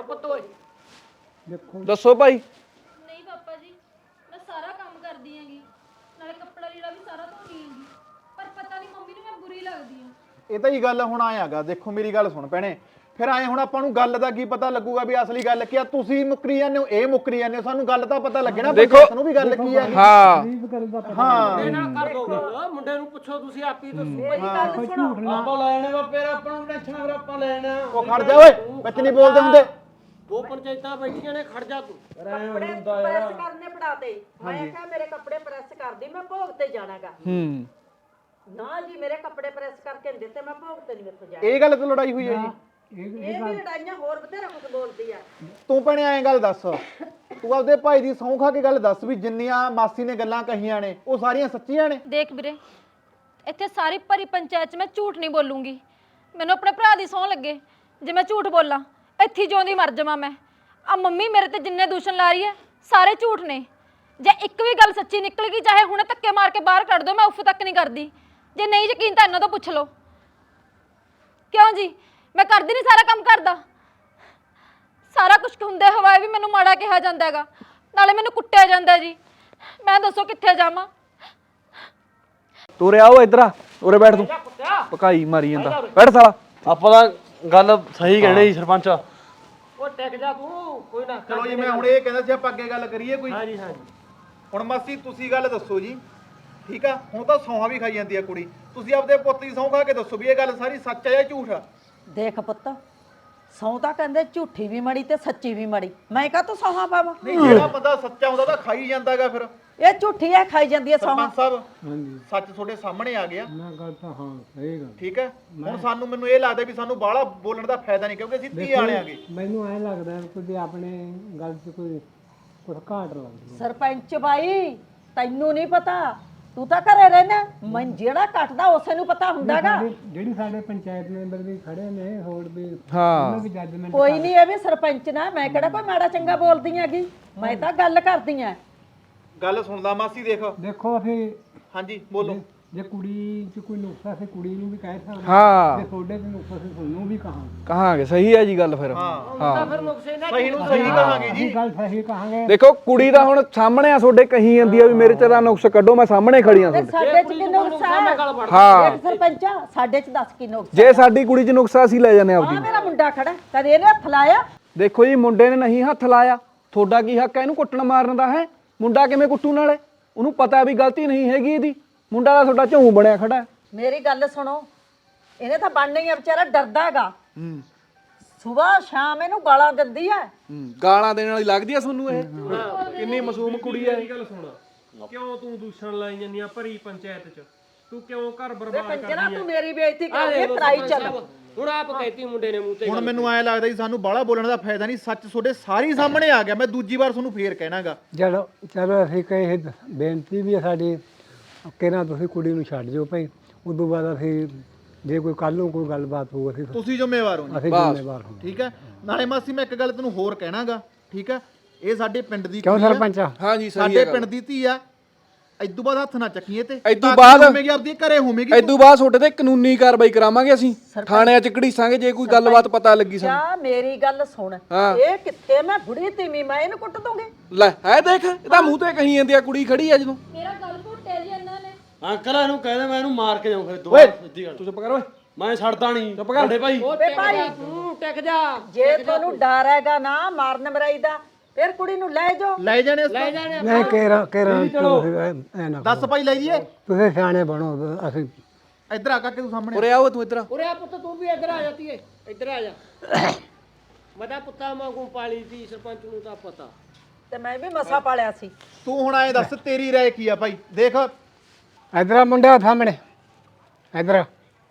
S7: ਦੇਖੋ
S6: ਦੱਸੋ ਭਾਈ।
S1: ਨਹੀਂ ਪਾਪਾ ਜੀ, ਮੈਂ ਸਾਰਾ ਕੰਮ ਕਰਦੀ ਆਂਗੀ, ਨਾਲੇ ਕੱਪੜਾ ਲੀੜਾ ਵੀ ਸਾਰਾ ਧੋਣੀ ਆਂਗੀ, ਪਰ ਪਤਾ ਨਹੀਂ ਮੰਮੀ ਨੂੰ ਮੈਂ ਬੁਰੀ ਲੱਗਦੀ ਆਂ।
S4: ਇਹ ਤਾਂ ਹੀ ਗੱਲ ਹੁਣ ਆਇਆਗਾ। ਦੇਖੋ ਮੇਰੀ ਗੱਲ ਸੁਣ ਭੈਣੇ, ਫਿਰ ਆਏ ਹੁਣ ਆਪਾਂ ਨੂੰ ਗੱਲ ਦਾ ਕੀ ਪਤਾ ਲੱਗੂਗਾ ਵੀ ਅਸਲੀ ਗੱਲ ਕੀ ਆ? ਤੁਸੀਂ ਮੁੱਕਰੀ ਜਾਂਦੇ ਹੋ, ਇਹ ਮੁੱਕਰੀ ਜਾਂਦੇ ਹੋ, ਸਾਨੂੰ ਗੱਲ ਤਾਂ ਪਤਾ ਲੱਗੇ ਨਾ
S6: ਦੇਖੋ-
S4: ਪੰਚਾਇਤ ਨੂੰ ਵੀ ਗੱਲ ਕੀ ਹੈ।
S6: ਹਾਂ
S7: ਰੀਬ ਕਰਨ ਦਾ ਪਤਾ
S4: ਹਾਂ
S3: ਕਰ ਦੋ ਗੱਲ, ਮੁੰਡੇ ਨੂੰ ਪੁੱਛੋ ਤੁਸੀਂ ਆਪ ਹੀ ਦੱਸੋ।
S2: ਮੇਰੀ ਗੱਲ ਸੁਣੋ,
S3: ਆਪਾਂ ਲੈਣੇ ਵਾ, ਫਿਰ ਆਪਾਂ ਨੂੰ ਟੈਨਸ਼ਨ ਫਿਰ ਆਪਾਂ ਲੈਣਾ।
S4: ਉਹ ਖੜ ਜਾ ਓਏ, ਵਿੱਚ ਨਹੀਂ ਬੋਲਦੇ ਹੁੰਦੇ।
S3: ਦੋ ਪੰਚਾਇਤਾਂ ਬੈਠੀਆਂ ਨੇ, ਖੜ ਜਾ ਤੂੰ।
S2: ਕੱਪੜੇ ਪ੍ਰੈਸ ਕਰਨੇ ਪੜਾਤੇ, ਮੈਂ ਕਿਹਾ ਮੇਰੇ ਕੱਪੜੇ ਪ੍ਰੈਸ ਕਰਦੀ, ਮੈਂ ਭੋਗ ਤੇ ਜਾਣਾਗਾ।
S6: ਹੂੰ
S2: ਨਾ ਜੀ, ਮੇਰੇ ਕੱਪੜੇ ਪ੍ਰੈਸ ਕਰਕੇ ਨਹੀਂ ਦਿੱਤੇ, ਮੈਂ ਭੋਗ ਤੇ ਨਹੀਂ ਮੇਥੋਂ ਜਾ।
S4: ਇਹ ਗੱਲ ਤੋਂ ਲੜਾਈ ਹੋਈ ਹੈ ਜੀ?
S2: ਇਹ ਵੀ ਲੜਾਈਆਂ ਹੋਰ ਬਥੇਰਾ ਕੁਝ ਬੋਲਦੀ ਆ।
S4: ਤੂੰ ਭੈਣੇ ਐਂ ਗੱਲ ਦੱਸ, ਤੂੰ ਆਪਦੇ ਭਾਈ ਦੀ ਸਹੁੰ ਖਾ ਕੇ ਗੱਲ ਦੱਸ ਵੀ ਜਿੰਨੀਆਂ ਮਾਸੀ ਨੇ ਗੱਲਾਂ ਕਹੀਆਂ ਨੇ ਉਹ ਸਾਰੀਆਂ ਸੱਚੀਆਂ ਨੇ?
S1: ਦੇਖ ਵੀਰੇ, ਇੱਥੇ ਸਾਰੀ ਭਰੀ ਪੰਚਾਇਤ 'ਚ ਮੈਂ ਝੂਠ ਨਹੀਂ ਬੋਲੂੰਗੀ। ਮੈਨੂੰ ਆਪਣੇ ਭਰਾ ਦੀ ਸਹੁੰ ਲੱਗੇ, ਜੇ ਮੈਂ ਝੂਠ ਬੋਲਾਂ ਇੱਥੇ ਜਿਉਂਦੀ ਮਰ ਜਾਵਾਂ ਮੈਂ। ਆ ਮੰਮੀ ਮੇਰੇ ਤੇ ਜਿੰਨੇ ਦੂਸ਼ਣ ਲਾ ਰਹੀ ਹੈ ਸਾਰੇ ਝੂਠ ਨੇ। ਜੇ ਇੱਕ ਵੀ ਗੱਲ ਸੱਚੀ ਨਿਕਲ ਗਈ, ਚਾਹੇ ਹੁਣੇ ਧੱਕੇ ਮਾਰ ਕੇ ਬਾਹਰ ਕੱਢ ਦਿਓ, ਮੈਂ ਉਫ ਤੱਕ ਨਹੀਂ ਕਰਦੀ। ਜੇ ਨਹੀਂ ਯਕੀਨ ਤਾਂ ਇਹਨਾਂ ਤੋਂ ਪੁੱਛ ਲਓ। ਕਿਉਂ ਜੀ, ਮੈਂ ਕਰਦੀ ਨਹੀਂ ਸਾਰਾ ਕੰਮ ਕਰਦਾ? ਸਾਰਾ ਕੁਝ ਹੁੰਦੇ ਹੋਇਆ ਵੀ ਮੈਨੂੰ ਮਾੜਾ ਕਿਹਾ ਜਾਂਦਾ ਹੈਗਾ, ਨਾਲੇ ਮੈਨੂੰ ਕੁੱਟਿਆ ਜਾਂਦਾ ਜੀ। ਮੈਂ ਦੱਸੋ ਕਿੱਥੇ ਜਾਵਾਂ?
S6: ਤੋਰੇ ਆਓ ਇੱਧਰ ਆ, ਉਰੇ ਬੈਠ ਤੂੰ, ਪਕਾਈ ਮਾਰੀ ਜਾਂਦਾ, ਬੈਠ ਸਾਲਾ।
S5: ਆਪਾਂ ਤਾਂ ਗੱਲ ਸਹੀ ਕਹਿਣੇ ਜੀ ਸਰਪੰਚ।
S3: ਉਹ ਟਿਕ ਜਾ ਤੂੰ, ਕੋਈ ਨਾ।
S4: ਚਲੋ ਜੀ, ਮੈਂ ਹੁਣ ਇਹ ਕਹਿੰਦਾ ਸੀ ਆਪਾਂ ਅੱਗੇ ਗੱਲ ਕਰੀਏ ਕੋਈ।
S3: ਹਾਂਜੀ ਹਾਂਜੀ।
S4: ਹੁਣ ਮਾਸੀ ਤੁਸੀਂ ਗੱਲ ਦੱਸੋ ਜੀ, ਠੀਕ ਆ? ਹੁਣ ਤਾਂ ਸੌਹਾਂ ਵੀ ਖਾਈ ਜਾਂਦੀ ਆ ਕੁੜੀ, ਤੁਸੀਂ ਆਪਦੇ ਪੁੱਤ ਦੀ ਸਹੁੰ ਖਾ ਕੇ ਦੱਸੋ ਵੀ ਇਹ ਗੱਲ ਸਾਰੀ ਸੱਚ ਆ ਜਾਂ ਝੂਠ ਆ?
S2: ਦੇਖ ਪੁੱਤ, ਸਹੁੰ ਤਾਂ ਕਹਿੰਦੇ ਝੂਠੀ ਵੀ ਮੜੀ ਤੇ ਸੱਚੀ ਵੀ ਮੜੀ, ਮੈਂ ਕਾ ਤੂੰ ਸੌਹਾਂ ਪਾਵਾਂ?
S4: ਨਹੀਂ, ਜਿਹੜਾ ਬੰਦਾ ਸੱਚਾ ਹੁੰਦਾ ਤਾਂ ਖਾਈ ਜਾਂਦਾਗਾ ਫਿਰ।
S2: ਇਹ ਝੂਠੀ ਐ, ਖਾਈ ਜਾਂਦੀ ਐ ਸੌਹਾਂ।
S4: ਸਰਪੰਚ ਸਾਹਿਬ,
S7: ਹਾਂਜੀ
S4: ਸੱਚ ਤੁਹਾਡੇ ਸਾਹਮਣੇ ਆ ਗਿਆ,
S7: ਨਾ ਗੱਲ ਤਾਂ ਹਾਂ ਸਹੀ ਗੱਲ।
S4: ਠੀਕ ਹੈ? ਹੁਣ ਸਾਨੂੰ ਮੈਨੂੰ ਇਹ ਲੱਗਦਾ ਵੀ ਸਾਨੂੰ ਬਾਹਲਾ ਬੋਲਣ ਦਾ ਫਾਇਦਾ ਨਹੀਂ, ਕਿਉਂਕਿ ਅਸੀਂ ਧੀ ਵਾਲੇ ਆਗੇ।
S7: ਮੈਨੂੰ ਐਂ ਲੱਗਦਾ ਕਿ ਆਪਣੇ ਗੱਲ 'ਚ ਕੋਈ ਕੁਝ ਘਾਟ ਲੱਗਦੀ
S2: ਸਰਪੰਚ ਬਾਈ, ਤੈਨੂੰ ਨਹੀਂ ਪਤਾ, ਤੂੰ ਤਾਂ ਘਰੇ ਰਹਿਣਾ, ਮੈਂ ਜਿਹੜਾ ਕੱਟਦਾ ਉਸੇ ਨੂੰ ਪਤਾ ਹੁੰਦਾਗਾ।
S7: ਜਿਹੜੀ- ਜਿਹੜੀ ਸਾਡੇ ਪੰਚਾਇਤ ਮੈਂਬਰ ਵੀ ਖੜੇ ਨੇ ਹੋਰ ਵੀ
S6: ਹਾਂ
S7: ਉਹਨਾਂ ਵੀ ਜੱਜਮੈਂਟ
S2: ਕੋਈ ਨਹੀਂ, ਇਹ ਵੀ ਸਰਪੰਚ ਨਾ, ਮੈਂ ਕਿਹੜਾ ਕੋਈ ਮਾੜਾ ਚੰਗਾ ਬੋਲਦੀ ਹੈਗੀ, ਮੈਂ ਤਾਂ ਗੱਲ ਕਰਦੀ ਆ।
S4: ਗੱਲ ਸੁਣਦਾ ਮਾਸੀ, ਦੇਖ।
S7: ਦੇਖੋ ਅਸੀਂ
S4: ਹਾਂਜੀ ਬੋਲੋ।
S7: ਜੇ ਕੁੜੀ 'ਚ ਕੋਈ ਨੁਕਸਾ ਸੀ ਕੁੜੀ ਨੂੰ ਵੀ ਕਹਿ ਸਕਦੇ
S6: ਹਾਂ
S7: ਜੇ ਤੁਹਾਡੇ 'ਚ ਨੁਕਸਾ ਸੀ ਤੁਹਾਨੂੰ ਵੀ ਕਹਾਂਗੇ।
S6: ਕਹਾਂਗੇ, ਸਹੀ ਹੈ ਜੀ ਗੱਲ ਫਿਰ।
S4: ਹਾਂ,
S6: ਹਾਂ
S3: ਫਿਰ ਨੁਕਸੇ ਨਾ
S4: ਸਹੀ ਨੂੰ ਸਹੀ ਕਹਾਂਗੇ ਜੀ।
S7: ਅਸੀਂ ਗੱਲ ਸਹੀ ਕਹਾਂਗੇ।
S6: ਦੇਖੋ ਕੁੜੀ ਦਾ ਹੁਣ ਸਾਹਮਣੇ ਆ, ਤੁਹਾਡੇ ਕਹੀ ਜਾਂਦੀ ਆ ਵੀ ਮੇਰੇ ਚ ਦਾ ਨੁਕਸ ਕੱਢੋ, ਮੈਂ ਸਾਹਮਣੇ ਖੜੀ ਆ
S2: ਤੇ
S6: ਤੁਹਾਡੇ।
S2: ਸਾਡੇ 'ਚ ਕੀ ਨੁਕਸਾ ਹੈ?
S6: ਹਾਂ
S2: ਦੇਖ ਸਰਪੰਚਾ, ਸਾਡੇ 'ਚ ਦੱਸ ਕੀ ਨੁਕਸਾ?
S6: ਜੇ ਸਾਡੀ ਕੁੜੀ ਚ ਨੁਕਸਾ ਅਸੀਂ ਲੈ ਜਾਂਦੇ
S2: ਆ
S6: ਆਪਦੀ।
S2: ਮੇਰਾ ਮੁੰਡਾ ਖੜਾ, ਕਦੇ ਇਹਨੇ ਹੱਥ ਲਾਇਆ?
S6: ਦੇਖੋ ਜੀ, ਮੁੰਡੇ ਨੇ ਨਹੀਂ ਹੱਥ ਲਾਇਆ, ਤੁਹਾਡਾ ਕੀ ਹੱਕ ਹੈ ਇਹਨੂੰ ਕੁੱਟਣ ਮਾਰਨ ਦਾ? ਹੈ ਮੁੰਡਾ ਕਿਵੇਂ ਕੁੱਟੂ? ਨਾਲੇ ਉਹਨੂੰ ਪਤਾ ਵੀ ਗਲਤੀ ਨਹੀਂ ਹੈਗੀ ਇਹਦੀ, ਮੁੰਡਾ ਦਾ ਤੁਹਾਡਾ ਝੂੰ ਬਣਿਆ ਖੜਾ ਹੈ।
S2: ਮੇਰੀ ਗੱਲ ਸੁਣੋ, ਇਹਨੇ ਤਾਂ ਬਣਨਾ ਹੀ ਆ, ਵਿਚਾਰਾ ਡਰਦਾ ਹੈਗਾ।
S6: ਹੂੰ
S2: ਸਵੇਰ ਸ਼ਾਮ ਇਹਨੂੰ ਗਾਲਾਂ ਦਿੰਦੀ ਐ।
S6: ਗਾਲਾਂ ਦੇਣ ਵਾਲੀ ਲੱਗਦੀ ਆ ਤੁਹਾਨੂੰ ਇਹ? ਕਿੰਨੀ ਮਾਸੂਮ ਕੁੜੀ ਹੈ।
S3: ਮੇਰੀ ਗੱਲ ਸੁਣ, ਕਿਉਂ ਤੂੰ ਦੂਸ਼ਣ ਲਾਈ ਜਾਂਦੀ ਆ ਭਰੀ ਪੰਚਾਇਤ 'ਚ? ਤੂੰ ਕਿਉਂ ਘਰ ਬਰਬਾਦ
S2: ਕੰਜਰਾ
S3: ਕਰਦੀ
S2: ਤੂੰ ਮੇਰੀ ਬੇਇੱਜ਼ਤੀ ਕਰਦੀ, ਟਰਾਈ ਚੱਲ।
S3: ਹੁਣ ਆਪ ਕਹਿਤੀ ਮੁੰਡੇ ਨੇ ਮੂੰਹ ਤੇ।
S4: ਹੁਣ ਮੈਨੂੰ ਐਂ ਲੱਗਦਾ ਜੀ ਸਾਨੂੰ ਬਾਹਲਾ ਬੋਲਣ ਦਾ ਫਾਇਦਾ ਨਹੀਂ, ਸੱਚ ਤੁਹਾਡੇ ਸਾਰੀ ਸਾਹਮਣੇ ਆ ਗਿਆ। ਮੈਂ ਦੂਜੀ ਵਾਰ ਤੁਹਾਨੂੰ ਫੇਰ ਕਹਿਣਾਗਾ।
S7: ਚਲੋ ਚਲੋ ਅਸੀਂ ਕਹੇ ਬੇਨਤੀ ਵੀ ਹੈ ਸਾਡੀ ਕਿ ਨਾ ਤੁਸੀਂ ਕੁੜੀ ਨੂੰ ਛੱਡ ਦਿਓ ਭਾਈ, ਉਦੋਂ ਬਾਅਦ ਅਸੀਂ ਜੇ ਕੋਈ ਕੱਲ ਨੂੰ ਕੋਈ ਗੱਲਬਾਤ ਹੋਊ ਅਸੀਂ
S4: ਤੁਸੀਂ ਜ਼ਿੰਮੇਵਾਰ ਹੋ ਜੀ,
S7: ਅਸੀਂ ਜ਼ਿੰਮੇਵਾਰ ਹਾਂ।
S4: ਠੀਕ ਹੈ? ਨਾਲੇ ਮਾਸੀ ਮੈਂ ਇੱਕ ਗੱਲ ਤੈਨੂੰ ਹੋਰ ਕਹਿਣਾਗਾ, ਠੀਕ ਹੈ? ਇਹ ਸਾਡੇ ਪਿੰਡ ਦੀ
S7: ਕਿਉਂ
S4: ਕੁੜੀ ਆ,
S7: ਸਰਪੰਚ?
S6: ਹਾਂ ਜੀ, ਸਹੀ
S4: ਸਾਡੇ
S6: ਹੈ
S4: ਪਿੰਡ ਦੀ ਧੀ ਆ। ਇਦੋਂ ਬਾਅਦ ਹੱਥ ਨਾ ਚੱਕੀਏ ਤੇ
S6: ਇਦੋਂ
S4: ਤਾਂ
S6: ਬਾਅਦ-
S4: ਹੋਵੇਗੀ ਆਪਦੀ ਘਰੇ ਹੋਵੇਗੀ।
S6: ਇਦੋਂ ਬਾਅਦ ਤੁਹਾਡੇ ਤੇ ਕਾਨੂੰਨੀ ਕਾਰਵਾਈ ਕਰਾਵਾਂਗੇ ਅਸੀਂ, ਥਾਣਿਆਂ ਚ ਘੜੀਸਾਂਗੇ ਜੇ ਕੋਈ ਗੱਲਬਾਤ ਪਤਾ ਲੱਗੀ ਸਾਨੂੰ।
S2: ਕਿਆ ਮੇਰੀ ਗੱਲ ਸੁਣ,
S6: ਹਾਂ।
S2: ਇਹ ਕਿੱਥੇ ਮੈਂ ਬੁੜੀ ਤੀਵੀਂ, ਮੈਂ ਇਹਨੂੰ ਕੁੱਟ ਦੂੰਗੀ।
S6: ਲੈ ਹੈ ਦੇਖ, ਇਹਦਾ ਮੂੰਹ ਤੇ ਕਹੀ ਜਾਂਦੀ ਆ, ਕੁੜੀ ਖੜੀ ਆ ਜਦੋਂ।
S1: ਮੇਰਾ ਗੱਲ ਘੁੱਟਿਆ ਜੀ ਇਹਨਾਂ ਨੇ।
S5: ਅੰਕਲ ਇਹਨੂੰ ਕਹਿੰਦੇ ਮੈਂ ਇਹਨੂੰ ਮਾਰ ਕੇ ਜਾਊਂ ਫਿਰ ਦੋ
S6: ਓਏ
S5: ਸਿੱਧੀ ਗੱਲ।
S6: ਤੂੰ ਚੁੱਪ ਕਰ ਓਏ,
S5: ਮੈਂ ਛੱਡਦਾ ਨਹੀਂ
S6: ਚੁੱਪ ਕਰ।
S5: ਵੱਡੇ ਭਾਈ।
S2: ਵੇ ਭਾਈ,
S3: ਤੂੰ ਟਿਕ ਜਾ।
S2: ਜੇ ਤੁਹਾਨੂੰ ਡਰ ਹੈਗਾ ਨਾ ਮਾਰਨ ਮਰਾਈ ਦਾ, ਫਿਰ ਕੁੜੀ ਨੂੰ ਲੈ ਜਾਓ।
S4: ਲੈ ਜਾਣੇ
S3: ਲੈ ਜਾਣੇ
S7: ਨਹੀਂ ਕਹਿ ਕਹਿ ਐ ਨਾ
S4: ਦੱਸ ਭਾਈ ਲੈ ਜੀਏ।
S7: ਤੁਸੀਂ ਸਿਆਣੇ ਬਣੋ, ਅਸੀਂ
S4: ਇੱਧਰ ਆ ਕੇ ਤੂੰ ਸਾਹਮਣੇ।
S6: ਉਰੇ ਆਓ ਤੂੰ ਇੱਧਰ ਆ।
S3: ਉਰੇ ਆ ਪੁੱਤ, ਤੂੰ ਵੀ ਇੱਧਰ ਆ ਜਾਤੀ ਏ, ਇੱਧਰ ਆ ਜਾ। ਮਦਾ ਪੁੱਤਾ ਵਾਂਗੂ ਪਾਲੀ ਸੀ, ਸਰਪੰਚ ਨੂੰ ਤਾਂ ਪਤਾ।
S2: ਤੇ ਮੈਂ ਵੀ ਮਸਾ ਪਾਲਿਆ ਸੀ।
S4: ਤੂੰ ਹੁਣ ਐਂ ਦੱਸ ਤੇਰੀ ਰਾਏ ਕੀ ਆ ਭਾਈ? ਦੇਖ
S7: ਇਧਰ ਆ ਮੁੰਡਿਆ ਸਾਹਮਣੇ ਇਧਰ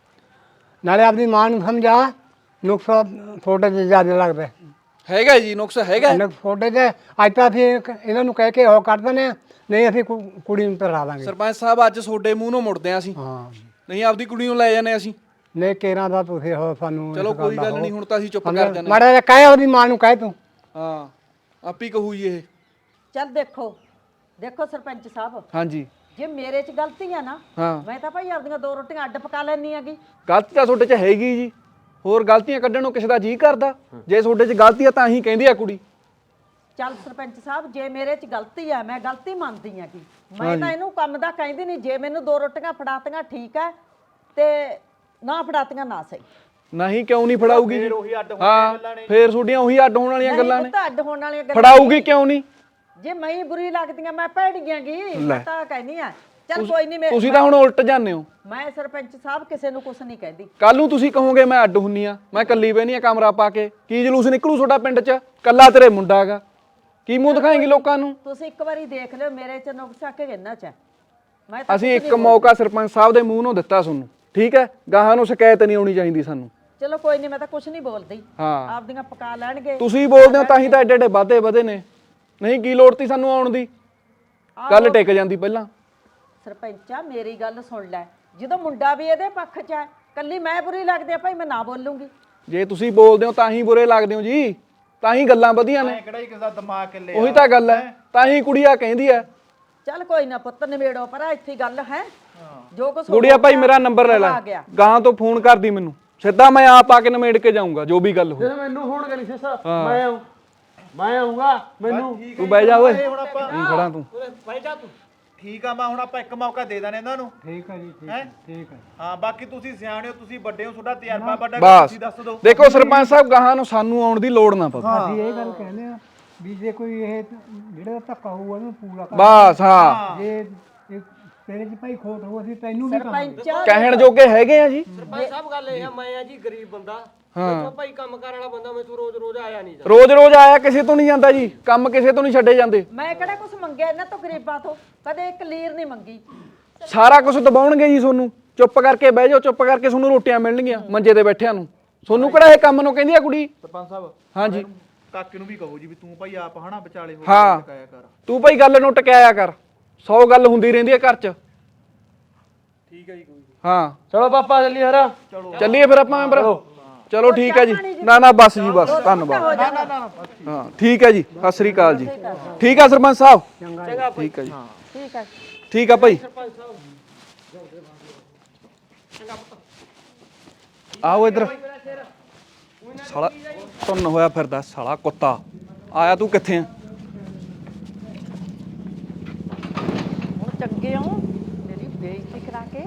S7: ਨਾਲੇ ਆਪਣੀ ਮਾਂ ਨੂੰ ਸਮਝਾ ਨੁਕਸ ਤੁਹਾਡੇ 'ਚ ਜ਼ਿਆਦਾ ਲੱਗਦਾ
S6: ਹੈਗਾ ਜੀ ਨੁਕਸ ਹੈਗਾ
S7: ਨੁਕਸ ਤੁਹਾਡੇ 'ਚ ਅੱਜ ਤਾਂ ਅਸੀਂ ਇੱਕ ਇਹਨਾਂ ਨੂੰ ਕਹਿ ਕੇ ਉਹ ਕਰ ਦਿੰਦੇ ਹਾਂ, ਨਹੀਂ ਅਸੀਂ ਕੁ- ਕੁੜੀ ਨੂੰ ਪੜਾ ਦਾਂਗੇ।
S6: ਸਰਪੰਚ ਸਾਹਿਬ ਅੱਜ ਤੁਹਾਡੇ ਮੂੰਹ ਨੂੰ ਮੁੜਦੇ ਆ ਅਸੀਂ,
S7: ਹਾਂ
S6: ਨਹੀਂ ਆਪਦੀ ਕੁੜੀ ਨੂੰ ਲੈ ਜਾਂਦੇ ਅਸੀਂ।
S7: ਨਹੀਂ ਕੇਰਾਂ ਦਾ ਤੁਸੀਂ ਹੋ ਸਾਨੂੰ
S6: ਚਲੋ
S7: ਇਸ
S6: ਕੋਈ
S7: ਦਾ
S6: ਗੱਲ
S7: ਹੋ।
S6: ਨਹੀਂ, ਹੁਣ ਤਾਂ ਅਸੀਂ ਚੁੱਪ ਕਰ ਜਾਂਦੇ
S7: ਮਾੜਾ ਜਿਹਾ ਕਹਿ ਉਹਦੀ ਮਾਂ ਨੂੰ ਕਹਿ ਤੂੰ।
S6: ਹਾਂ ਆਪੀ ਕਹੂ ਜੀ ਇਹ।
S2: ਚੱਲ ਦੇਖੋ ਦੇਖੋ ਸਰਪੰਚ ਸਾਹਿਬ,
S6: ਹਾਂਜੀ
S2: ਜੇ ਮੇਰੇ 'ਚ ਗਲਤੀ ਆ ਨਾ,
S6: ਹਾਂ
S2: ਮੈਂ ਤਾਂ ਭਾਈ ਆਪਦੀਆਂ ਦੋ ਰੋਟੀਆਂ ਅੱਡ ਪਕਾ ਲੈਣੀ ਹੈਗੀ।
S6: ਗਲਤੀ ਤਾਂ ਤੁਹਾਡੇ 'ਚ ਹੈਗੀ ਜੀ, ਹੋਰ ਗਲਤੀਆਂ ਕੱਢਣ ਨੂੰ ਕਿਸੇ ਦਾ ਜੀ ਕਰਦਾ? ਜੇ ਤੁਹਾਡੇ 'ਚ ਗਲਤੀ ਆ ਤਾਂ ਹੀ ਕਹਿੰਦੀ ਆ ਕੁੜੀ।
S2: ਚੱਲ ਸਰਪੰਚ ਸਾਹਿਬ, ਜੇ ਮੇਰੇ 'ਚ ਗਲਤੀ ਆ ਮੈਂ ਗਲਤੀ ਮੰਨਦੀ ਆ ਕਿ ਮੈਂ ਤਾਂ ਇਹਨੂੰ ਕੰਮ ਦਾ ਕਹਿੰਦੀ ਨਹੀਂ। ਜੇ ਮੈਨੂੰ ਦੋ ਰੋਟੀਆਂ ਫੜਾਤੀਆਂ ਠੀਕ ਹੈ, ਤੇ ਨਾ ਫੜਾਤੀਆਂ ਨਾ ਸਹੀ।
S6: ਨਹੀਂ ਕਿਉਂ ਨਹੀਂ ਫੜਾਊਗੀ ਜੀ? ਹਾਂ ਫੇਰ ਤੁਹਾਡੀਆਂ ਉਹੀ ਅੱਡ ਹੋਣ ਵਾਲੀਆਂ ਗੱਲਾਂ ਨੇ।
S2: ਤਾਂ ਅੱਡ ਹੋਣ ਵਾਲੀਆਂ ਗੱਲਾਂ
S6: ਫੜਾਊਗੀ ਕਿਉਂ ਨਹੀਂ?
S2: ਜੇ ਮੈਂ ਹੀ ਬੁਰੀ ਲੱਗਦੀਆਂ ਮੈਂ ਭੈੜ ਗਿਆਂਗੀ, ਮੈਂ ਤਾਂ ਕਹਿੰਦੀ ਆ। ਚੱਲ ਕੋਈ ਨਹੀਂ,
S6: ਤੁਸੀਂ ਤਾਂ ਹੁਣ ਉਲਟ ਜਾਂਦੇ ਹੋ।
S2: ਮੈਂ ਸਰਪੰਚ ਸਾਹਿਬ ਕਿਸੇ ਨੂੰ ਕੁਝ ਨਹੀਂ ਕਹਿੰਦੀ।
S6: ਕੱਲ ਨੂੰ ਤੁਸੀਂ ਕਹੋਗੇ ਮੈਂ ਅੱਡ ਹੁੰਨੀ ਆ, ਮੈਂ ਕੱਲੀ ਬਹਿਨੀ ਆ ਕਮਰਾ ਪਾ ਕੇ, ਕੀ ਜਲੂਸ ਨਿਕਲੂ ਤੁਹਾਡਾ ਪਿੰਡ 'ਚ? ਕੱਲਾ ਤੇਰੇ ਮੁੰਡਾ ਹੈਗਾ, ਕੀ ਮੂੰਹ ਦਿਖਾਏਂਗੀ ਲੋਕਾਂ ਨੂੰ?
S2: ਤੁਸੀਂ ਇੱਕ ਵਾਰੀ ਦੇਖ ਲਿਓ ਮੇਰੇ 'ਚ ਨੁਕਸਾ ਕਿ ਕਿੰਨਾ 'ਚ ਹੈ। ਮੈਂ ਤਾਂ
S6: ਅਸੀਂ ਇੱਕ ਮੌਕਾ ਸਰਪੰਚ ਸਾਹਿਬ ਦੇ ਮੂੰਹ ਨੂੰ ਦਿੱਤਾ ਤੁਹਾਨੂੰ, ਠੀਕ ਹੈ? ਗਾਹਾਂ ਨੂੰ ਸ਼ਿਕਾਇਤ ਨਹੀਂ ਆਉਣੀ ਚਾਹੀਦੀ ਸਾਨੂੰ।
S2: ਚਲੋ ਕੋਈ ਨਹੀਂ, ਮੈਂ ਤਾਂ ਕੁਝ ਨਹੀਂ ਬੋਲਦੀ।
S6: ਹਾਂ
S2: ਆਪਦੀਆਂ ਪਕਾ ਲੈਣਗੇ।
S6: ਤੁਸੀਂ ਬੋਲਦੇ ਹੋ ਤਾਂ ਹੀ ਤਾਂ ਐਡੇ ਐਡੇ ਵਾਧੇ ਵਧੇ ਨੇ, ਨਹੀਂ ਕੀ ਲੋੜ ਤੀ ਸਾਨੂੰ ਆਉਣ ਦੀ? ਗੱਲ ਟਿਕ ਜਾਂਦੀ ਪਹਿਲਾਂ।
S2: ਸਰਪੰਚਾ ਮੇਰੀ ਗੱਲ ਸੁਣ ਲੈ, ਜਦੋਂ ਮੁੰਡਾ ਵੀ ਇਹਦੇ ਪੱਖ 'ਚ ਹੈ, ਕੱਲੀ ਮੈਂ ਬੁਰੀ ਲੱਗਦੀ ਆ ਭਾਈ, ਮੈਂ ਨਾ ਬੋਲੂੰਗੀ।
S6: ਜੇ ਤੁਸੀਂ ਬੋਲਦੇ ਹੋ ਤਾਂ ਹੀ ਬੁਰੇ ਲੱਗਦੇ ਹੋ ਜੀ, ਤਾਂ ਹੀ ਗੱਲਾਂ ਵਧੀਆਂ ਨੇ।
S4: ਕਿਹੜਾ ਹੀ ਕਿਸੇ ਦਾ ਦਿਮਾਗ ਕਿੱਲੇ
S6: ਉਹੀ ਤਾਂ ਗੱਲ ਹੈ, ਤਾਂ ਹੀ ਕੁੜੀਆ ਕਹਿੰਦੀ ਹੈ।
S2: ਚੱਲ ਕੋਈ ਨਾ ਪੁੱਤ, ਨਿਬੇੜੋ ਪਰ ਇੱਥੇ ਗੱਲ ਹੈ। ਜੋ ਕੁਛ
S6: ਗੁੜੀਆ ਭਾਈ ਮੇਰਾ ਨੰਬਰ ਲੈ ਲੈ, ਗਾਂ ਤੋਂ ਫੋਨ ਕਰਦੀ ਮੈਨੂੰ, ਸਿੱਧਾ ਮੈਂ ਆਪ ਆ ਕੇ ਨਿਮੇੜ ਕੇ ਜਾਊਂਗਾ ਜੋ ਵੀ ਗੱਲ ਹੋਈ।
S3: ਮੈਨੂੰ ਹੁਣ ਕਰੀ ਸਿਸਾ ਮੈਂ ਆਉਂ ਮੈਂ ਆਉਂਗਾ ਮੈਨੂੰ।
S6: ਤੂੰ ਬਹਿ ਜਾ ਓਏ,
S4: ਹੁਣ ਆਪਾਂ
S6: ਨਹੀਂ ਖੜਾ ਤੂੰ।
S4: ਠੀਕ ਆ, ਮੈਂ ਹੁਣ ਆਪਾਂ ਇੱਕ ਮੌਕਾ ਦੇ ਦਾਂ ਇਹਨਾਂ ਨੂੰ।
S7: ਠੀਕ ਹੈ ਜੀ, ਠੀਕ
S4: ਹੈ
S7: ਠੀਕ ਹੈ।
S4: ਹਾਂ ਬਾਕੀ ਤੁਸੀਂ ਸਿਆਣੇ ਹੋ, ਤੁਸੀਂ ਵੱਡੇ ਹੋ, ਤੁਹਾਡਾ ਤਜਰਬਾ ਵੱਡਾ,
S6: ਬਸ
S4: ਤੁਸੀਂ ਦੱਸ ਦਿਓ।
S6: ਦੇਖੋ ਸਰਪੰਚ ਸਾਹਿਬ, ਗਾਹਾਂ ਨੂੰ ਸਾਨੂੰ ਆਉਣ ਦੀ ਲੋੜ ਨਾ ਪਵੇ।
S7: ਅਸੀਂ ਇਹ ਗੱਲ ਕਹਿੰਦੇ ਆ ਵੀ ਜੇ ਕੋਈ ਇਹ ਜਿਹੜਾ ਧੱਕਾ ਹੋਊਗਾ ਉਹਨੂੰ ਪੂਰਾ ਕਰ।
S6: ਬਸ ਹਾਂ,
S7: ਜੇ ਇਹ ਤੇਰੇ 'ਚ ਭਾਈ ਖੋਟ ਹੋ ਅਸੀਂ ਤੈਨੂੰ ਵੀ ਕਹਾਂਗੇ।
S2: ਸਰਪੰਚ
S6: ਕਹਿਣ ਜੋਗੇ ਹੈਗੇ ਆ ਜੀ।
S3: ਸਰਪੰਚ ਸਾਹਿਬ ਗੱਲ ਇਹ ਆ, ਮੈਂ ਆ ਜੀ ਗਰੀਬ ਬੰਦਾ, ਮੈਥੋਂ ਭਾਈ ਕੰਮ ਕਰਨ ਵਾਲਾ ਬੰਦਾ, ਮੈਥੋਂ ਰੋਜ਼ ਰੋਜ਼ ਆਇਆ ਨਹੀਂ ਜਾਂਦਾ।
S6: ਰੋਜ਼ ਰੋਜ਼ ਆਇਆ ਕਿਸੇ ਤੋਂ ਨਹੀਂ ਜਾਂਦਾ ਜੀ, ਕੰਮ ਕਿਸੇ ਤੋਂ ਨਹੀਂ ਛੱਡੇ ਜਾਂਦੇ।
S2: ਮੈਂ ਕਿਹੜਾ ਕੁਝ ਮੰਗਿਆ ਇਹਨਾਂ ਤੋਂ ਗਰੀਬਾਂ ਤੋਂ, ਕਦੇ ਇੱਕ ਲੀਰ ਨਹੀਂ ਮੰਗੀ।
S6: ਸਾਰਾ ਕੁਝ ਦਬਾਉਣਗੇ ਜੀ ਤੁਹਾਨੂੰ, ਚੁੱਪ ਕਰਕੇ ਬਹਿ ਜਾਓ, ਚੁੱਪ ਕਰਕੇ ਤੁਹਾਨੂੰ ਰੋਟੀਆਂ ਮਿਲਣਗੀਆਂ ਮੰਜੇ ਤੇ ਬੈਠਿਆਂ ਨੂੰ। ਤੁਹਾਨੂੰ ਕਿਹੜਾ ਇਹ ਕੰਮ ਨੂੰ ਕਹਿੰਦੀ ਆ ਕੁੜੀ?
S4: ਸਰਪੰਚ ਸਾਹਿਬ
S6: ਹਾਂਜੀ
S4: ਕਾਕੇ ਨੂੰ ਵੀ ਕਹੋ ਜੀ ਵੀ ਤੂੰ ਭਾਈ ਆਪ ਹਨਾ ਵਿਚਾਲੇ ਹੋ
S6: ਹਾਂ।
S4: ਕੇ ਟਕਾਇਆ ਕਰ।
S6: ਤੂੰ ਭਾਈ ਗੱਲ ਨੂੰ ਟਕਿਆਇਆ ਕਰ, ਸੌ ਗੱਲ ਹੁੰਦੀ ਰਹਿੰਦੀ ਹੈ ਘਰ 'ਚ।
S3: ਠੀਕ ਹੈ ਜੀ, ਕੋਈ
S6: ਹਾਂ
S3: ਚਲੋ ਪਾਪਾ ਚੱਲੀ ਹਰਾ।
S6: ਚੱਲੀਏ ਫਿਰ ਆਪਾਂ ਮੈਂਬਰ। ਚਲੋ ਠੀਕ ਹੈ ਜੀ, ਨਾ ਨਾ ਬਸ ਜੀ ਬਸ, ਧੰਨਵਾਦ। ਹਾਂ ਠੀਕ ਹੈ ਜੀ, ਸਤਿ ਸ੍ਰੀ ਅਕਾਲ ਜੀ। ਠੀਕ ਆ ਸਰਪੰਚ ਸਾਹਿਬ, ਠੀਕ ਹੈ ਜੀ,
S2: ਠੀਕ ਹੈ
S6: ਠੀਕ ਆ ਭਾਈ। ਆਓ ਇੱਧਰ। ਸਾਲਾ ਤੁੰਨ ਹੋਇਆ ਫਿਰਦਾ ਸਾਲਾ ਕੁੱਤਾ, ਆਇਆ ਤੂੰ ਕਿੱਥੇ ਆ?
S2: ਹੁਣ ਚੰਗੇ ਹੋ, ਮੇਰੀ ਬੇਇੱਜ਼ਤੀ ਕਰਾ ਕੇ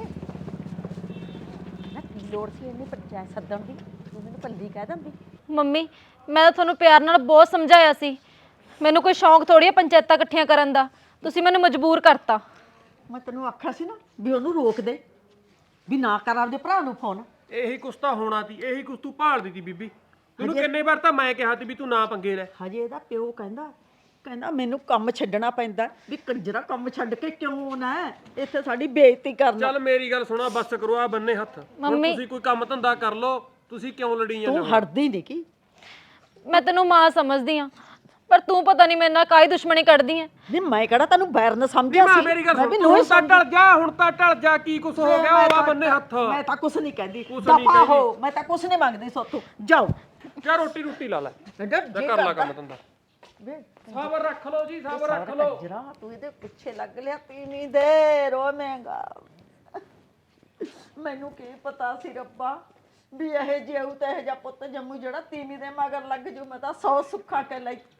S2: ਨਾ ਕੀ ਲੋੜ ਸੀ ਇਹਨੇ ਪੰਚਾਇਤ ਸੱਦਣ ਦੀ? ਤੂੰ ਮੈਨੂੰ ਪੱਲੀ ਕਹਿ ਦਿੰਦੀ।
S1: ਮੰਮੀ ਮੈਂ ਤਾਂ ਤੁਹਾਨੂੰ ਪਿਆਰ ਨਾਲ ਬਹੁਤ ਸਮਝਾਇਆ ਸੀ, ਮੈਨੂੰ ਕੋਈ ਸ਼ੌਂਕ ਥੋੜੀ ਹੈ ਪੰਚਾਇਤਾਂ ਇਕੱਠੀਆਂ ਕਰਨ ਦਾ, ਤੁਸੀਂ ਮੈਨੂੰ ਮਜਬੂਰ ਕਰਤਾ।
S2: ਮੈਂ ਤੈਨੂੰ ਆਖਿਆ ਸੀ ਨਾ ਵੀ ਉਹਨੂੰ ਰੋਕ ਦੇ, ਵੀ ਨਾ ਕਰ ਆਪਦੇ ਭਰਾ ਨੂੰ ਫੋਨ।
S3: ਇਹੀ ਕੁਛ ਤਾਂ ਹੋਣਾ ਸੀ, ਇਹੀ ਕੁਛ ਤੂੰ ਭਾਲਦੀ ਸੀ ਬੀਬੀ। ਤੈਨੂੰ ਕਿੰਨੇ ਵਾਰ ਤਾਂ ਮੈਂ ਕਿਹਾ ਸੀ ਵੀ ਤੂੰ ਨਾ ਪੰਗੇ ਲੈ।
S2: ਹਜੇ ਇਹਦਾ ਪਿਓ ਕਹਿੰਦਾ ਕਹਿੰਦਾ ਮੈਨੂੰ ਕੰਮ ਛੱਡਣਾ ਪੈਂਦਾ, ਵੀ ਕੰਜਰਾ ਕੰਮ ਛੱਡ ਕੇ ਕਿਉਂ ਨਾ ਇੱਥੇ ਸਾਡੀ ਬੇਇੱਜ਼ਤੀ ਕਰਨਾ।
S3: ਚੱਲ ਮੇਰੀ ਗੱਲ ਸੁਣਾ, ਬੱਸ ਕਰੋ ਆ ਬੰਨੇ ਹੱਥ। ਹੁਣ ਤੁਸੀਂ ਕੋਈ ਕੰਮ ਧੰਦਾ ਕਰ ਲਓ, ਤੁਸੀਂ ਕਿਉਂ ਲੜੀ ਜਾਂਦੇ
S2: ਤੂੰ
S3: ਹੋ?
S2: ਹਟਦੀ ਨਹੀਂ ਕੀ?
S1: ਮੈਂ ਤੈਨੂੰ ਮਾਂ ਸਮਝਦੀ ਆ, ਪਰ ਤੂੰ ਪਤਾ ਨਹੀਂ ਮੇਰੇ ਨਾਲ ਕਾਹਦੀ ਦੁਸ਼ਮਣੀ ਕੱਢਦੀ ਐ।
S2: ਨਹੀਂ ਮੈਂ ਕਿਹੜਾ ਤੈਨੂੰ ਬੈਰਨ ਸਮਝਿਆ
S3: ਮਾਂ
S2: ਸੀ?
S3: ਮੇਰੀ ਗੱਲ
S2: ਮੈਂ
S3: ਸੁਣ,
S2: ਵੀ
S3: ਤੂੰ
S2: ਨੂੰਹ
S3: ਹੁਣ ਤਾਂ ਟਲ ਜਾ, ਹੁਣ ਤਾਂ ਟਲ ਜਾ, ਕੀ ਕੁਛ ਹੋ ਗਿਆ? ਉਹ ਆ ਬੰਨੇ ਹੱਥ।
S2: ਮੈਂ ਤਾਂ ਕੁਛ ਨਹੀਂ ਕਹਿੰਦੀ,
S3: ਕੁਛ ਨਹੀਂ
S2: ਦਫਾ ਹੋ, ਮੈਂ ਤਾਂ ਕੁਛ ਨਹੀਂ ਮੰਗਦੀ ਸੋਤੋਂ। ਜਾਓ
S3: ਜਾ ਰੋਟੀ ਰੋਟੀ ਲਾ ਲੈ,
S2: ਜੇ
S3: ਕਰ ਲਾ ਕੰਮ ਧੰਦਾ।
S2: ਵੇ
S3: ਸਬਰ ਰੱਖ ਲਓ ਜੀ, ਸਬਰ ਰੱਖ ਲਓ।
S2: ਕੰਜਰਾ ਤੂੰ ਇਹਦੇ ਪਿੱਛੇ ਲੱਗ ਲਿਆ, ਤੀਵੀਂ ਦੇ ਰੋਵੇਂਗਾ। ਮੈਨੂੰ ਕੀ ਪਤਾ ਸੀ ਰੱਬਾ ਵੀ ਇਹ ਜਿਉ ਤੇ ਇਹ ਜਿਹਾ ਪੁੱਤ ਜੰਮੂ ਜਿਹੜਾ ਤੀਵੀਂ ਦੇ ਮਗਰ ਲੱਗ ਜੂ। ਮੈਂ ਤਾਂ ਸੌ ਸੁੱਖਾ ਕੇ ਲਈ